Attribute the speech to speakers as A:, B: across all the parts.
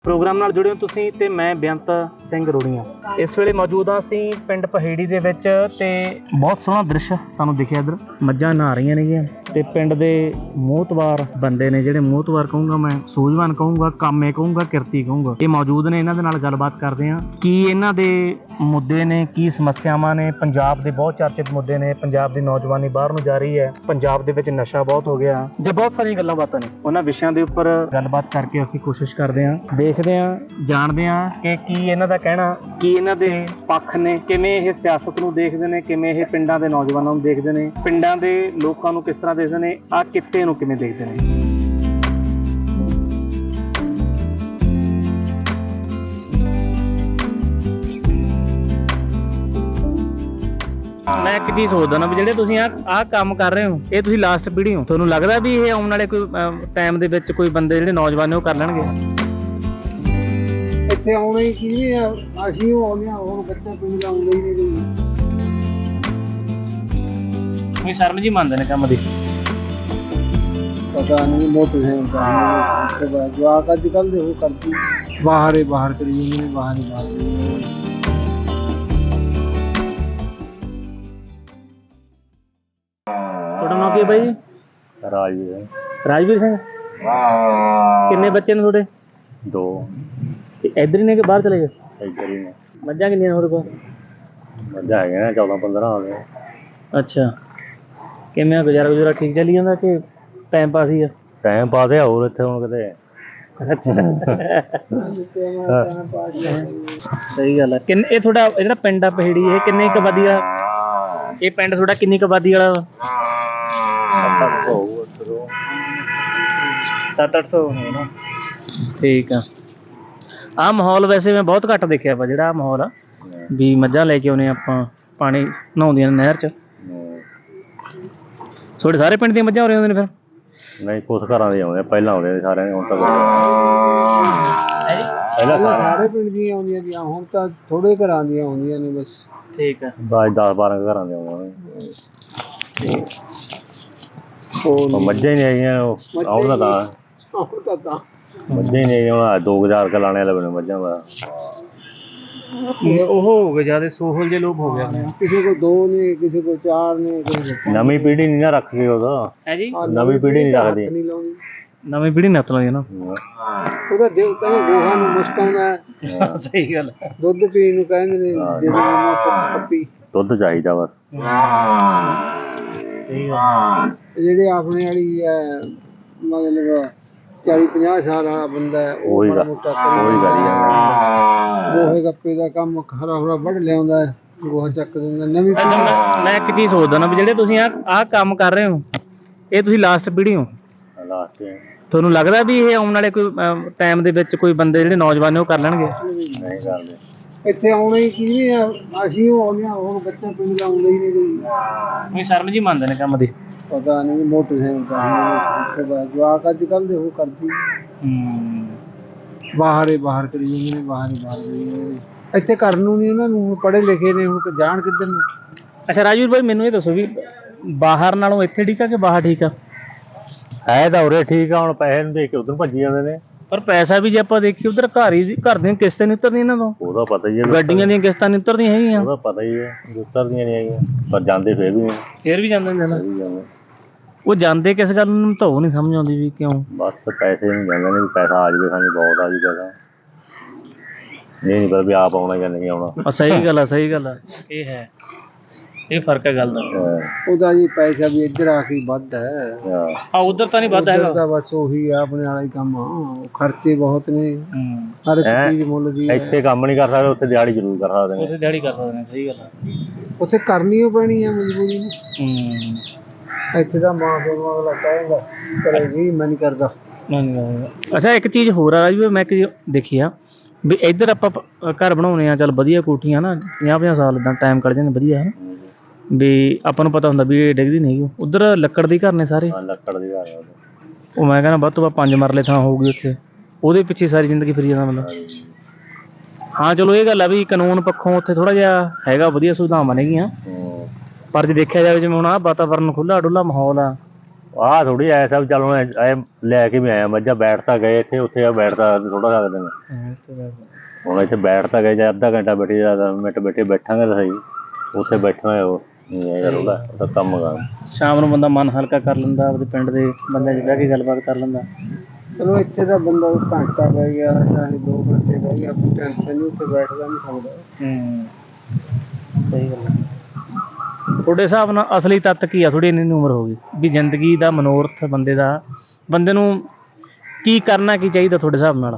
A: Programme ਨਾਲ ਜੁੜੇ ਹੋ ਤੁਸੀਂ ਤੇ ਮੈਂ ਬੇਅੰਤ ਸਿੰਘ ਰੋੜੀਆਂ। ਇਸ ਵੇਲੇ ਮੌਜੂਦ ਹਾਂ ਅਸੀਂ ਪਿੰਡ ਪਹੇੜੀ ਦੇ ਵਿੱਚ ਤੇ ਬਹੁਤ ਸੋਹਣਾ ਦ੍ਰਿਸ਼ ਸਾਨੂੰ ਦਿਖਿਆ। ਇੱਧਰ ਮੱਝਾਂ ਨਹਾ ਰਹੀਆਂ ਨੇਗੀਆਂ ਤੇ ਪਿੰਡ ਦੇ ਮੋਹਤਵਾਰ ਬੰਦੇ ਨੇ, ਜਿਹੜੇ ਮੋਹਤਵਾਰ ਕਹੂੰਗਾ ਮੈਂ, ਸੂਝਵਾਨ ਕਹੂੰਗਾ, ਕਾਮੇ ਕਹੂੰਗਾ, ਕਿਰਤੀ ਕਹੂੰਗਾ, ਇਹ ਮੌਜੂਦ ਨੇ। ਇਹਨਾਂ ਦੇ ਨਾਲ ਗੱਲਬਾਤ ਕਰਦੇ ਹਾਂ ਕੀ ਇਹਨਾਂ ਦੇ ਮੁੱਦੇ ਨੇ, ਕੀ ਸਮੱਸਿਆਵਾਂ ਨੇ। ਪੰਜਾਬ ਦੇ ਬਹੁਤ ਚਰਚਿਤ ਮੁੱਦੇ ਨੇ। ਪੰਜਾਬ ਦੀ ਨੌਜਵਾਨੀ ਬਾਹਰ ਨੂੰ ਜਾ ਰਹੀ ਹੈ, ਪੰਜਾਬ ਦੇ ਵਿੱਚ ਨਸ਼ਾ ਬਹੁਤ ਹੋ ਗਿਆ ਜਾਂ ਬਹੁਤ ਸਾਰੀਆਂ ਗੱਲਾਂ ਬਾਤਾਂ ਨੇ। ਉਹਨਾਂ ਵਿਸ਼ਿਆਂ ਦੇ ਉੱਪਰ ਗੱਲਬਾਤ ਕਰਕੇ ਅਸੀਂ ਕੋਸ਼ਿਸ਼ ਕਰਦੇ ਹਾਂ, ਦੇਖਦੇ ਹਾਂ, ਜਾਣਦੇ ਹਾਂ ਕਿ ਕੀ ਇਹਨਾਂ ਦਾ ਕਹਿਣਾ, ਕੀ ਇਹਨਾਂ ਦੇ ਪੱਖ ਨੇ, ਕਿਵੇਂ ਇਹ ਸਿਆਸਤ ਨੂੰ ਦੇਖਦੇ ਨੇ, ਕਿਵੇਂ ਇਹ ਪਿੰਡਾਂ ਦੇ ਨੌਜਵਾਨਾਂ ਨੂੰ ਦੇਖਦੇ ਨੇ, ਪਿੰਡਾਂ ਦੇ ਲੋਕਾਂ ਨੂੰ ਕਿਸ ਤਰ੍ਹਾਂ ਦੇਖਦੇ ਨੇ, ਆਹ ਕਿੱਤੇ ਨੂੰ ਕਿਵੇਂ ਦੇਖਦੇ ਨੇ। ਮੈਂ ਇੱਕ ਚੀਜ਼ ਸੋਚਦਾ ਨਾ ਵੀ ਜਿਹੜੇ ਤੁਸੀਂ ਆਹ ਕੰਮ ਕਰ ਰਹੇ ਹੋ, ਇਹ ਤੁਸੀਂ ਲਾਸਟ ਪੀੜ੍ਹੀ ਹੋ। ਤੁਹਾਨੂੰ ਲੱਗਦਾ ਵੀ ਇਹ ਆਉਣ ਵਾਲੇ ਕੋਈ ਟਾਈਮ ਦੇ ਵਿੱਚ ਕੋਈ ਬੰਦੇ ਜਿਹੜੇ ਨੌਜਵਾਨ ਨੇ ਉਹ ਕਰ ਲੈਣਗੇ?
B: ਇੱਥੇ ਆਉਣਾ ਹੀ ਕੀ ਆ, ਅਸੀਂ ਉਹ ਆਉਂਦੇ ਹਾਂ, ਹੁਣ ਬੱਚਾ ਪਿੰਡ ਦਾ ਆਉਂਦਾ ਹੀ ਨਹੀਂ।
A: ਕੋਈ ਸ਼ਰਮ ਜੀ ਮੰਨਦੇ ਨੇ ਕੰਮ ਦੀ?
B: ਪਤਾ ਨਹੀਂ ਮੋਟੇ ਹੈ ਜਵਾਕ ਅੱਜ ਕੱਲ੍ਹ ਦੇ ਉਹ ਕਰਦੀ ਬਾਹਰ ਕਰੀ ਜਾਂਦੇ ਨੇ, ਬਾਹਰ
A: ਤੁਹਾਡਾ ਨਾਮ ਕੀ ਹੈ ਬਾਈ ਜੀ?
C: ਰਾਜਵੀਰ।
A: ਰਾਜਵੀਰ ਸਿੰਘ। ਕਿੰਨੇ ਬੱਚੇ ਨੇ ਤੁਹਾਡੇ?
C: 2।
A: ਤੇ ਇੱਧਰ ਹੀ ਨੇ ਕਿ ਬਾਹਰ ਚਲੇ ਗਏ?
C: ਇੱਧਰ ਹੀ ਨੇ।
A: ਮੱਝਾਂ ਕਿੰਨੀਆਂ ਨੇ ਤੁਹਾਡੇ ਕੋਲ?
C: ਮੱਝਾਂ ਹੈਗੀਆਂ ਨੇ 14-15 ਆ ਗਏ।
A: ਅੱਛਾ, ਕਿਵੇਂ ਆ ਗੁਜ਼ਾਰਾ ਠੀਕ ਚੱਲੀ ਜਾਂਦਾ ਕਿ ਟਾਈਮ ਪਾਸ ਹੀ ਆ?
C: ਟਾਈਮ ਪਾਸ ਆ, ਹੋਰ ਇੱਥੇ ਹੁਣ ਕਿਤੇ।
A: ਸਹੀ ਗੱਲ ਹੈ। ਇਹ ਤੁਹਾਡਾ ਜਿਹੜਾ ਪਿੰਡ ਆ ਪਹੇੜੀ, ਇਹ ਕਿੰਨੀ ਕੁ ਆਬਾਦੀ ਆ? ਇਹ ਪਿੰਡ ਤੁਹਾਡਾ ਕਿੰਨੀ ਕੁ ਆਬਾਦੀ ਵਾਲਾ ਵਾ? 700-800 ਹੋਣਾ। ਠੀਕ ਆ। ਆਹ ਮਾਹੌਲ ਵੈਸੇ ਮੈਂ ਬਹੁਤ ਘੱਟ ਦੇਖਿਆ ਵਾ, ਜਿਹੜਾ ਮਾਹੌਲ ਆ ਵੀ ਮੱਝਾਂ ਲੈ ਕੇ ਆਉਂਦੇ ਆਪਾਂ, ਪਾਣੀ ਨਹਾਉਂਦੀਆਂ ਨੇ ਨਹਿਰ 'ਚ। ਤੁਹਾਡੇ ਸਾਰੇ ਪਿੰਡ ਦੀਆਂ ਮੱਝਾਂ ਹੋ ਰਹੀਆਂ ਨੇ ਫਿਰ?
C: ਨਹੀਂ, ਕੁਛ ਘਰਾਂ ਦੇ ਆਉਂਦੇ, ਪਹਿਲਾਂ ਆਉਂਦੇ ਸਾਰਿਆਂ ਦੇ, ਹੁਣ ਤਾਂ
B: ਪਹਿਲਾਂ ਸਾਰੇ ਪਿੰਡ ਦੀਆਂ ਆਉਂਦੀਆਂ ਸੀ, ਹੁਣ ਤਾਂ ਥੋੜੇ ਘਰਾਂ ਦੀਆਂ ਆਉਂਦੀਆਂ ਨੇ ਬਸ।
A: ਠੀਕ ਆ।
C: ਬਸ 10-12 ਘਰਾਂ ਦੇ ਆਉਂਦੇ ਨੇ। ਮੱਝਾਂ ਹੀ ਨਹੀਂ ਹੈਗੀਆਂ, ਆਉਂਦਾ ਤਾਂ ਮੱਝਾਂ ਹੀ ਨਹੀਂ। ਹੁਣ 2000 ਕ ਲਾਣੇ ਵਾਲੇ ਬਣੇ ਮੱਝਾਂ ਦਾ।
A: ਉਹ ਹੋ ਗਏ ਜਿਆਦਾ ਸੋਹਲ ਜੇ ਲੋਕ ਹੋ ਗਏ।
B: ਕਿਸੇ ਕੋ 2 ਨੇ, ਕਿਸੇ ਕੋ 4 ਨੇ।
C: ਨਵੀਂ ਪੀੜ੍ਹੀ ਨਹੀਂ ਨਾ ਰੱਖ ਕੇ ਉਹਦਾ।
A: ਹੈ ਜੀ,
C: ਨਵੀਂ ਪੀੜ੍ਹੀ ਨਹੀਂ ਰੱਖਦੀ।
A: ਨਵੀਂ ਪੀੜ੍ਹੀ ਨੱਤ ਲਾਉਂਦੀ ਨਾ।
B: ਉਹਦਾ ਦਿਲ ਕਹਿੰਦੇ ਗੋਹਾ ਨੂੰ ਮੁਸ਼ਕ ਆਉਂਦਾ।
A: ਸਹੀ ਗੱਲ।
B: ਦੁੱਧ ਪੀਣ ਨੂੰ ਕਹਿੰਦੇ ਨੇ, ਦੇ ਦੋ ਪੱਪੀ।
C: ਦੁੱਧ ਚਾਹੀਦਾ ਬਸ।
B: ਜਿਹੜੇ ਆਪਣੇ ਵਾਲੀ ਹੈ, ਮਤਲਬ 40-50 ਸਾਲ ਵਾਲਾ ਬੰਦਾ ਹੈ, ਉਹ ਮਾੜਾ ਮੋਟਾ ਗੋਹੇ ਗੱਪੇ ਦਾ ਕੰਮ ਹਰਾ ਵੱਢ ਲਿਆਉਂਦਾ, ਗੋਹਾ ਚੱਕ ਦਿੰਦਾ। ਨਵੀਂ
A: ਮੈਂ ਇੱਕ ਚੀਜ਼ ਸੋਚਦਾ ਨਾ ਵੀ ਜਿਹੜੇ ਤੁਸੀਂ ਆਹ ਕੰਮ ਕਰ ਰਹੇ ਹੋ, ਇਹ ਤੁਸੀਂ ਲਾਸਟ ਪੀੜ੍ਹੀ ਹੋ। ਤੁਹਾਨੂੰ ਲੱਗਦਾ ਵੀ ਇਹ ਆਉਣ ਵਾਲੇ ਕੋਈ ਟਾਈਮ ਦੇ ਵਿੱਚ ਕੋਈ ਬੰਦੇ ਜਿਹੜੇ ਨੌਜਵਾਨ ਨੇ ਉਹ ਕਰ ਲੈਣਗੇ?
C: ਨਹੀਂ ਕਰਦੇ।
B: ਇੱਥੇ ਆਉਣਾ ਹੀ ਕੀ ਆ, ਅਸੀਂ ਉਹ ਆਉਂਦੇ ਹਾਂ, ਹੁਣ ਬੱਚਾ ਪਿੰਡ ਦਾ ਆਉਂਦਾ ਹੀ ਨਹੀਂ।
A: ਕੋਈ ਸ਼ਰਮ ਜੀ ਮੰਨਦੇ ਨੇ ਕੰਮ ਦੀ? ਪਤਾ
B: ਨਹੀਂ ਮੋਟੇ ਹੈ ਜਵਾਕ ਅੱਜ ਕੱਲ੍ਹ ਦੇ ਉਹ ਕਰਦੀ ਬਾਹਰ ਕਰੀ ਜਾਂਦੇ ਨੇ, ਬਾਹਰ ਕਰੀ ਜਾਂਦੇ ਨੇ। ਇੱਥੇ ਕਰਨ ਨੂੰ ਨਹੀਂ ਉਹਨਾਂ ਨੂੰ, ਪੜ੍ਹੇ ਲਿਖੇ ਨੇ, ਹੁਣ ਜਾਣ ਕਿੱਧਰ ਨੂੰ।
A: ਅੱਛਾ ਰਾਜਵੀਰ ਭਾਈ, ਮੈਨੂੰ ਇਹ ਦੱਸੋ ਵੀ ਬਾਹਰ ਨਾਲੋਂ ਇੱਥੇ ਠੀਕ ਆ ਕਿ ਬਾਹਰ ਠੀਕ ਆ?
C: ਹੈ ਤਾਂ ਉਰੇ ਠੀਕ ਆ, ਹੁਣ ਪੈਸੇ ਨੂੰ ਦੇਖ ਕੇ ਉਧਰ ਭੱਜੀ ਜਾਂਦੇ ਨੇ।
A: ਪਰ ਪੈਸਾ ਵੀ ਜੇ ਆਪਾਂ ਦੇਖੀਏ ਉਧਰ ਘਰ ਦੀਆਂ ਕਿਸ਼ਤਾਂ ਨਹੀਂ ਉਤਰਦੀਆਂ ਇਹਨਾਂ ਤੋਂ।
C: ਉਹਦਾ ਪਤਾ ਹੀ ਹੈ।
A: ਗੱਡੀਆਂ ਦੀਆਂ ਕਿਸ਼ਤਾਂ ਨਹੀਂ ਉਤਰਦੀਆਂ ਹੈਗੀਆਂ।
C: ਉਹਦਾ ਪਤਾ ਹੀ ਹੈ, ਉਤਰਦੀਆਂ ਨਹੀਂ ਹੈਗੀਆਂ, ਪਰ ਜਾਂਦੇ ਫਿਰ ਵੀ
A: ਜਾਂਦੇ ਨੇ। ਉਹ ਜਾਂਦੇ ਕਿਸ ਗੱਲ ਨੂੰ ਤਾਂ ਉਹ ਨਹੀਂ ਸਮਝ ਆਉਂਦੀ ਵੀ ਕਿਉਂ।
C: ਬਸ ਪੈਸੇ ਨੂੰ ਜਾਂਦੇ ਨੇ, ਵੀ ਪੈਸਾ ਆ ਜਾਵੇ, ਸਾਨੂੰ ਬਹੁਤ ਆ ਜੀ ਪੈਸਾ। ਇਹ ਨਹੀਂ ਪਤਾ ਵੀ ਆਪ ਆਉਣਾ ਜਾਂ ਨਹੀਂ ਆਉਣਾ।
A: ਸਹੀ ਗੱਲ ਆ। ਇਹ ਹੈ, ਇਹ ਫਰਕ ਹੈ ਗੱਲ ਦਾ।
B: ਉਹਦਾ ਜੀ ਪੈਸਾ ਵੀ ਇੱਧਰ ਆ ਕੇ ਵੱਧ ਹੈ।
A: ਉਧਰ ਤਾਂ ਨਹੀਂ ਵੱਧ ਹੈਗਾ।
B: ਬਸ ਉਹੀ ਆ ਆਪਣੇ ਵਾਲਾ ਹੀ ਕੰਮ ਆ, ਖਰਚੇ ਬਹੁਤ ਨੇ, ਹਰ ਇੱਕ ਚੀਜ਼ ਮੁੱਲ ਦੀ।
C: ਇੱਥੇ ਕੰਮ ਨਹੀਂ ਕਰ ਸਕਦੇ, ਉੱਥੇ ਦਿਹਾੜੀ ਜ਼ਰੂਰ ਕਰ ਸਕਦੇ ਨੇ।
A: ਉੱਥੇ ਦਿਹਾੜੀ ਕਰ ਸਕਦੇ ਨੇ। ਸਹੀ ਗੱਲ ਆ।
B: ਉੱਥੇ ਕਰਨੀ ਓ ਪੈਣੀ ਆ ਮਜਬੂਰੀ ਨੂੰ। ਇੱਥੇ ਦਾ ਮਾਂ ਪਿਓ ਨੂੰ ਅਗਲਾ ਕਹੇਗਾ ਕਰੇ ਜੀ, ਮੈਂ ਨਹੀਂ ਕਰਦਾ।
A: ਅੱਛਾ, ਇੱਕ ਚੀਜ਼ ਹੋਰ ਆ ਜੀ, ਮੈਂ ਦੇਖੀ ਆ ਵੀ ਇੱਧਰ ਆਪਾਂ ਘਰ ਬਣਾਉਂਦੇ ਆ, ਚੱਲ ਵਧੀਆ ਕੋਠੀਆਂ ਨਾ, 50-50 ਸਾਲ ਇੱਦਾਂ ਟਾਈਮ ਕੱਢ ਜਾਂਦੇ ਵਧੀਆ ਹੈ ਨਾ, ਵੀ ਆਪਾਂ ਨੂੰ ਪਤਾ ਹੁੰਦਾ ਵੀ ਇਹ ਡਿੱਗਦੀ ਨਹੀਂ ਹੈਗੀ। ਉੱਧਰ ਲੱਕੜ ਦੇ ਘਰ ਨੇ ਸਾਰੇ।
C: ਲੱਕੜ ਦੇ ਘਰ।
A: ਉਹ ਮੈਂ ਕਹਿੰਦਾ ਵੱਧ ਤੋਂ ਵੱਧ 5 ਮਰਲੇ ਥਾਂ ਹੋਊਗੀ ਉੱਥੇ, ਉਹਦੇ ਪਿੱਛੇ ਸਾਰੀ ਜ਼ਿੰਦਗੀ ਫਿਰੀ ਜਾਂਦਾ ਬੰਦਾ। ਹਾਂ ਚਲੋ ਇਹ ਗੱਲ ਆ ਵੀ ਕਾਨੂੰਨ ਪੱਖੋਂ ਉੱਥੇ ਥੋੜ੍ਹਾ ਜਿਹਾ ਹੈਗਾ, ਵਧੀਆ ਸੁਵਿਧਾਵਾਂ ਨੇਗੀਆਂ, ਪਰ ਜੇ ਦੇਖਿਆ ਜਾਵੇ ਜਿਵੇਂ ਹੁਣ ਆਹ ਵਾਤਾਵਰਨ ਖੁੱਲ੍ਹਾ ਡੁੱਲਾ ਮਾਹੌਲ ਆ,
C: ਆਹ ਥੋੜੀ ਐਸਾ ਵੀ ਚੱਲ ਹੁਣ ਐ ਲੈ ਕੇ ਵੀ ਆਇਆ ਮੱਝਾਂ, ਬੈਠ ਤਾਂ ਗਏ ਇੱਥੇ, ਉੱਥੇ ਆ ਬੈਠ ਤਾਂ ਥੋੜਾ ਸਕਦੇ ਨੇ। ਹੁਣ ਇੱਥੇ ਬੈਠ ਤਾਂ ਗਏ, ਜਾਂ ਅੱਧਾ ਘੰਟਾ ਬੈਠੇ ਜਾਂ 10 ਮਿੰਟ ਬੈਠਾਂਗੇ ਤਾਂ ਸਹੀ, ਉੱਥੇ ਬੈਠਣਾ ਉਹ ਯਾਰ ਉਹਦਾ ਕੰਮ ਗਾ।
A: ਸ਼ਾਮ ਨੂੰ ਬੰਦਾ ਮਨ ਹਲਕਾ ਕਰ ਲੈਂਦਾ, ਆਪਦੇ ਪਿੰਡ ਦੇ ਬੰਦਿਆਂ 'ਚ ਬਹਿ ਕੇ ਗੱਲਬਾਤ ਕਰ ਲੈਂਦਾ।
B: ਚਲੋ ਇੱਥੇ ਤਾਂ ਬੰਦਾ ਘੰਟਾ ਬਹਿ ਗਿਆ ਚਾਹੇ 2 ਘੰਟੇ ਬਹਿ ਗਿਆ, ਕੋਈ ਟੈਨਸ਼ਨ ਨਹੀਂ, ਉੱਥੇ ਬੈਠਦਾ ਨਹੀਂ ਸਕਦਾ।
A: ਸਹੀ ਗੱਲ ਹੈ। ਤੁਹਾਡੇ ਹਿਸਾਬ ਨਾਲ ਅਸਲੀ ਤੱਤ ਕੀ ਆ? ਥੋੜੀ ਇੰਨੀ ਉਮਰ ਹੋ ਗਈ ਵੀ ਜ਼ਿੰਦਗੀ ਦਾ ਮਨੋਰਥ ਬੰਦੇ ਨੂੰ ਕੀ ਕਰਨਾ ਕੀ ਚਾਹੀਦਾ ਤੁਹਾਡੇ ਹਿਸਾਬ ਨਾਲ?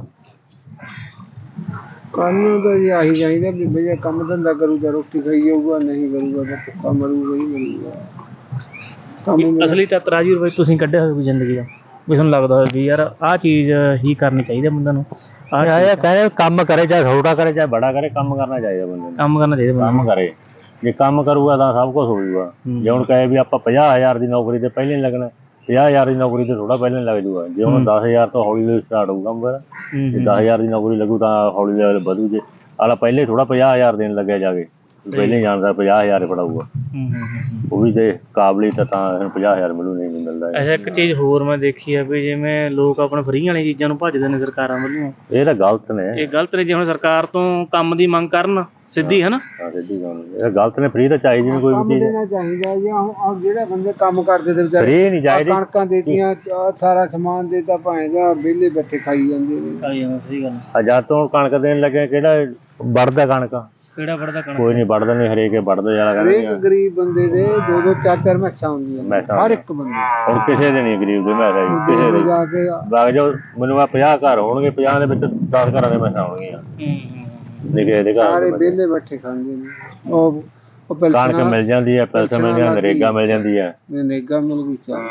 B: ਕੰਮ ਤਾਂ ਜੀ ਆਹੀ ਚਾਹੀਦਾ ਵੀ ਭਈਆ ਕੰਮ ਧੰਦਾ ਕਰੂਗਾ ਰੋਟੀ ਖਾਈ ਜਾਊਗਾ, ਨਹੀਂ ਕਰੂਗਾ ਤਾਂ ਭੁੱਖਾ ਮਰੂਗਾ ਹੀ ਮਰੂਗਾ। ਕੰਮ
A: ਅਸਲੀ ਤੱਤ ਰਾਜਵੀਰ ਬਾਈ ਤੁਸੀਂ ਕੱਢਿਆ ਹੋਇਆ ਵੀ ਜ਼ਿੰਦਗੀ ਦਾ, ਵੀ ਤੁਹਾਨੂੰ ਲੱਗਦਾ ਹੋਵੇ ਵੀ ਯਾਰ ਆਹ ਚੀਜ਼ ਹੀ ਕਰਨੀ ਚਾਹੀਦੀ ਬੰਦੇ ਨੂੰ?
C: ਕਹਿੰਦੇ ਕੰਮ ਕਰੇ, ਚਾਹੇ ਛੋਟਾ ਕਰੇ ਚਾਹੇ ਬੜਾ ਕਰੇ, ਕੰਮ ਕਰਨਾ ਚਾਹੀਦਾ ਬੰਦੇ ਨੂੰ।
A: ਕੰਮ ਕਰਨਾ ਚਾਹੀਦਾ
C: ਕੰਮ ਕਰੇ, ਜੇ ਕੰਮ ਕਰੂਗਾ ਤਾਂ ਸਭ ਕੁਛ ਹੋਊਗਾ। ਜੇ ਹੁਣ ਕਹੇ ਵੀ ਆਪਾਂ 50,000 ਦੀ ਨੌਕਰੀ ਤੇ ਪਹਿਲੇ ਨਹੀਂ ਲੱਗਣਾ, 50,000 ਦੀ ਨੌਕਰੀ ਤੇ ਥੋੜਾ ਪਹਿਲਾਂ ਲੱਗ ਜੂਗਾ। ਜੇ ਹੁਣ 10,000 ਤੋਂ ਹੌਲੀ ਹੌਲੀ ਸਟਾਰਟ ਹੋਊ ਕੰਮ ਫਿਰ, ਜੇ 10,000 ਦੀ ਨੌਕਰੀ ਲੱਗੂ ਤਾਂ ਹੌਲੀ ਲੈਵਲ ਵਧੂ। ਜੇ ਆਲਾ ਪਹਿਲੇ ਥੋੜਾ 50,000 ਦੇਣ ਲੱਗਿਆ ਜਾ ਕੇ, ਪਹਿਲੇ ਜਾਣਦਾ 50,000 ਫੜਾਊਗਾ। ਉਹ ਵੀ ਜੇ ਕਾਬਲੀਅਤ ਤਾਂ 50,000 ਮਿਲੂ, ਨਹੀਂ ਮਿਲਦਾ।
A: ਅੱਛਾ, ਇੱਕ ਚੀਜ਼ ਹੋਰ ਮੈਂ ਦੇਖੀ ਆ ਵੀ ਜਿਵੇਂ ਲੋਕ ਆਪਣੇ ਫਰੀ ਵਾਲੀਆਂ ਚੀਜ਼ਾਂ ਨੂੰ ਭੱਜਦੇ ਨੇ ਸਰਕਾਰਾਂ ਵੱਲੋਂ,
C: ਇਹ ਤਾਂ ਗਲਤ ਨੇ।
A: ਇਹ ਗਲਤ ਨੇ। ਜੇ ਹੁਣ ਸਰਕਾਰ ਤੋਂ ਕੰਮ ਦੀ ਮੰਗ ਕਰਨ ਸਿੱਧੀ, ਹੈ ਨਾ,
C: ਸਿੱਧੀ ਗੱਲ ਇਹ ਗਲਤ ਨੇ। ਫਰੀ ਤਾਂ ਚਾਹੀਦੀ ਨਹੀਂ ਕੋਈ ਵੀ ਚੀਜ਼,
B: ਦੇਣਾ ਚਾਹੀਦਾ ਜੀ। ਹੁਣ ਜਿਹੜੇ ਬੰਦੇ ਕੰਮ ਕਰਦੇ ਤੇ ਵਿਚਾਰੇ
C: ਫਰੀ ਨਹੀਂ ਚਾਹੀਦੀ।
B: ਕਣਕਾਂ ਦੇਤੀਆਂ, ਸਾਰਾ ਸਮਾਨ ਦੇਤਾ, ਭਾਵੇਂ ਜਾਂ ਵਿਹਲੇ ਬੈਠੇ ਖਾਈ ਜਾਂਦੇ ਨੇ।
A: ਸਹੀ ਗੱਲ।
C: ਜਦ ਤੋਂ ਕਣਕ ਦੇਣ ਲੱਗੇ, ਕਿਹੜਾ ਵੜਦਾ ਕਣਕ?
A: ਕਿਹੜਾ ਵੜਦਾ ਕਣਕ?
C: ਕੋਈ ਨਹੀਂ ਵੜਦਾ, ਨਹੀਂ ਹਰੇਕ ਵੜਦਾ ਜਾਣਾ।
B: ਹਰੇਕ ਗਰੀਬ ਬੰਦੇ ਦੇ 2-2 4-4 ਮੈਸਾਂ ਹੁੰਦੀਆਂ, ਹਰ ਇੱਕ ਬੰਦੇ।
C: ਹੁਣ ਕਿਸੇ ਦੇ ਨਹੀਂ ਗਰੀਬ ਦੇ ਮੈਸਾਂ, ਕਿਸੇ ਦੇ
B: ਜਾ ਕੇ
C: ਵਗ ਜਾਓ, ਮੈਨੂੰ ਆ 50 ਘਰ ਹੋਣਗੇ, 50 ਦੇ ਵਿੱਚ 10 ਘਰਾਂ ਦੇ ਮੈਸਾਂ ਹੋਣਗੀਆਂ। ਨਿੱਕੇ ਦੇ ਘਰ
B: ਸਾਰੇ ਵਿਹਲੇ ਬੈਠੇ ਖਾਂਦੇ ਨੇ। ਉਹ
C: ਕਣਕ ਮਿਲ ਜਾਂਦੀ ਹੈ, ਪੈਸੇ ਮਿਲ ਜਾਂਦੇ, ਨਰੇਗਾ ਮਿਲ ਜਾਂਦੀ ਹੈ।
B: ਨਰੇਗਾ ਮਿਲ ਗਈ ਚਾਹ।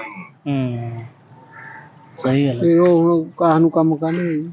A: ਸਹੀ ਗੱਲ।
B: ਫਿਰ ਉਹ ਹੁਣ ਕਾਹ ਨੂੰ ਕੰਮ ਕਰਨਗੇ।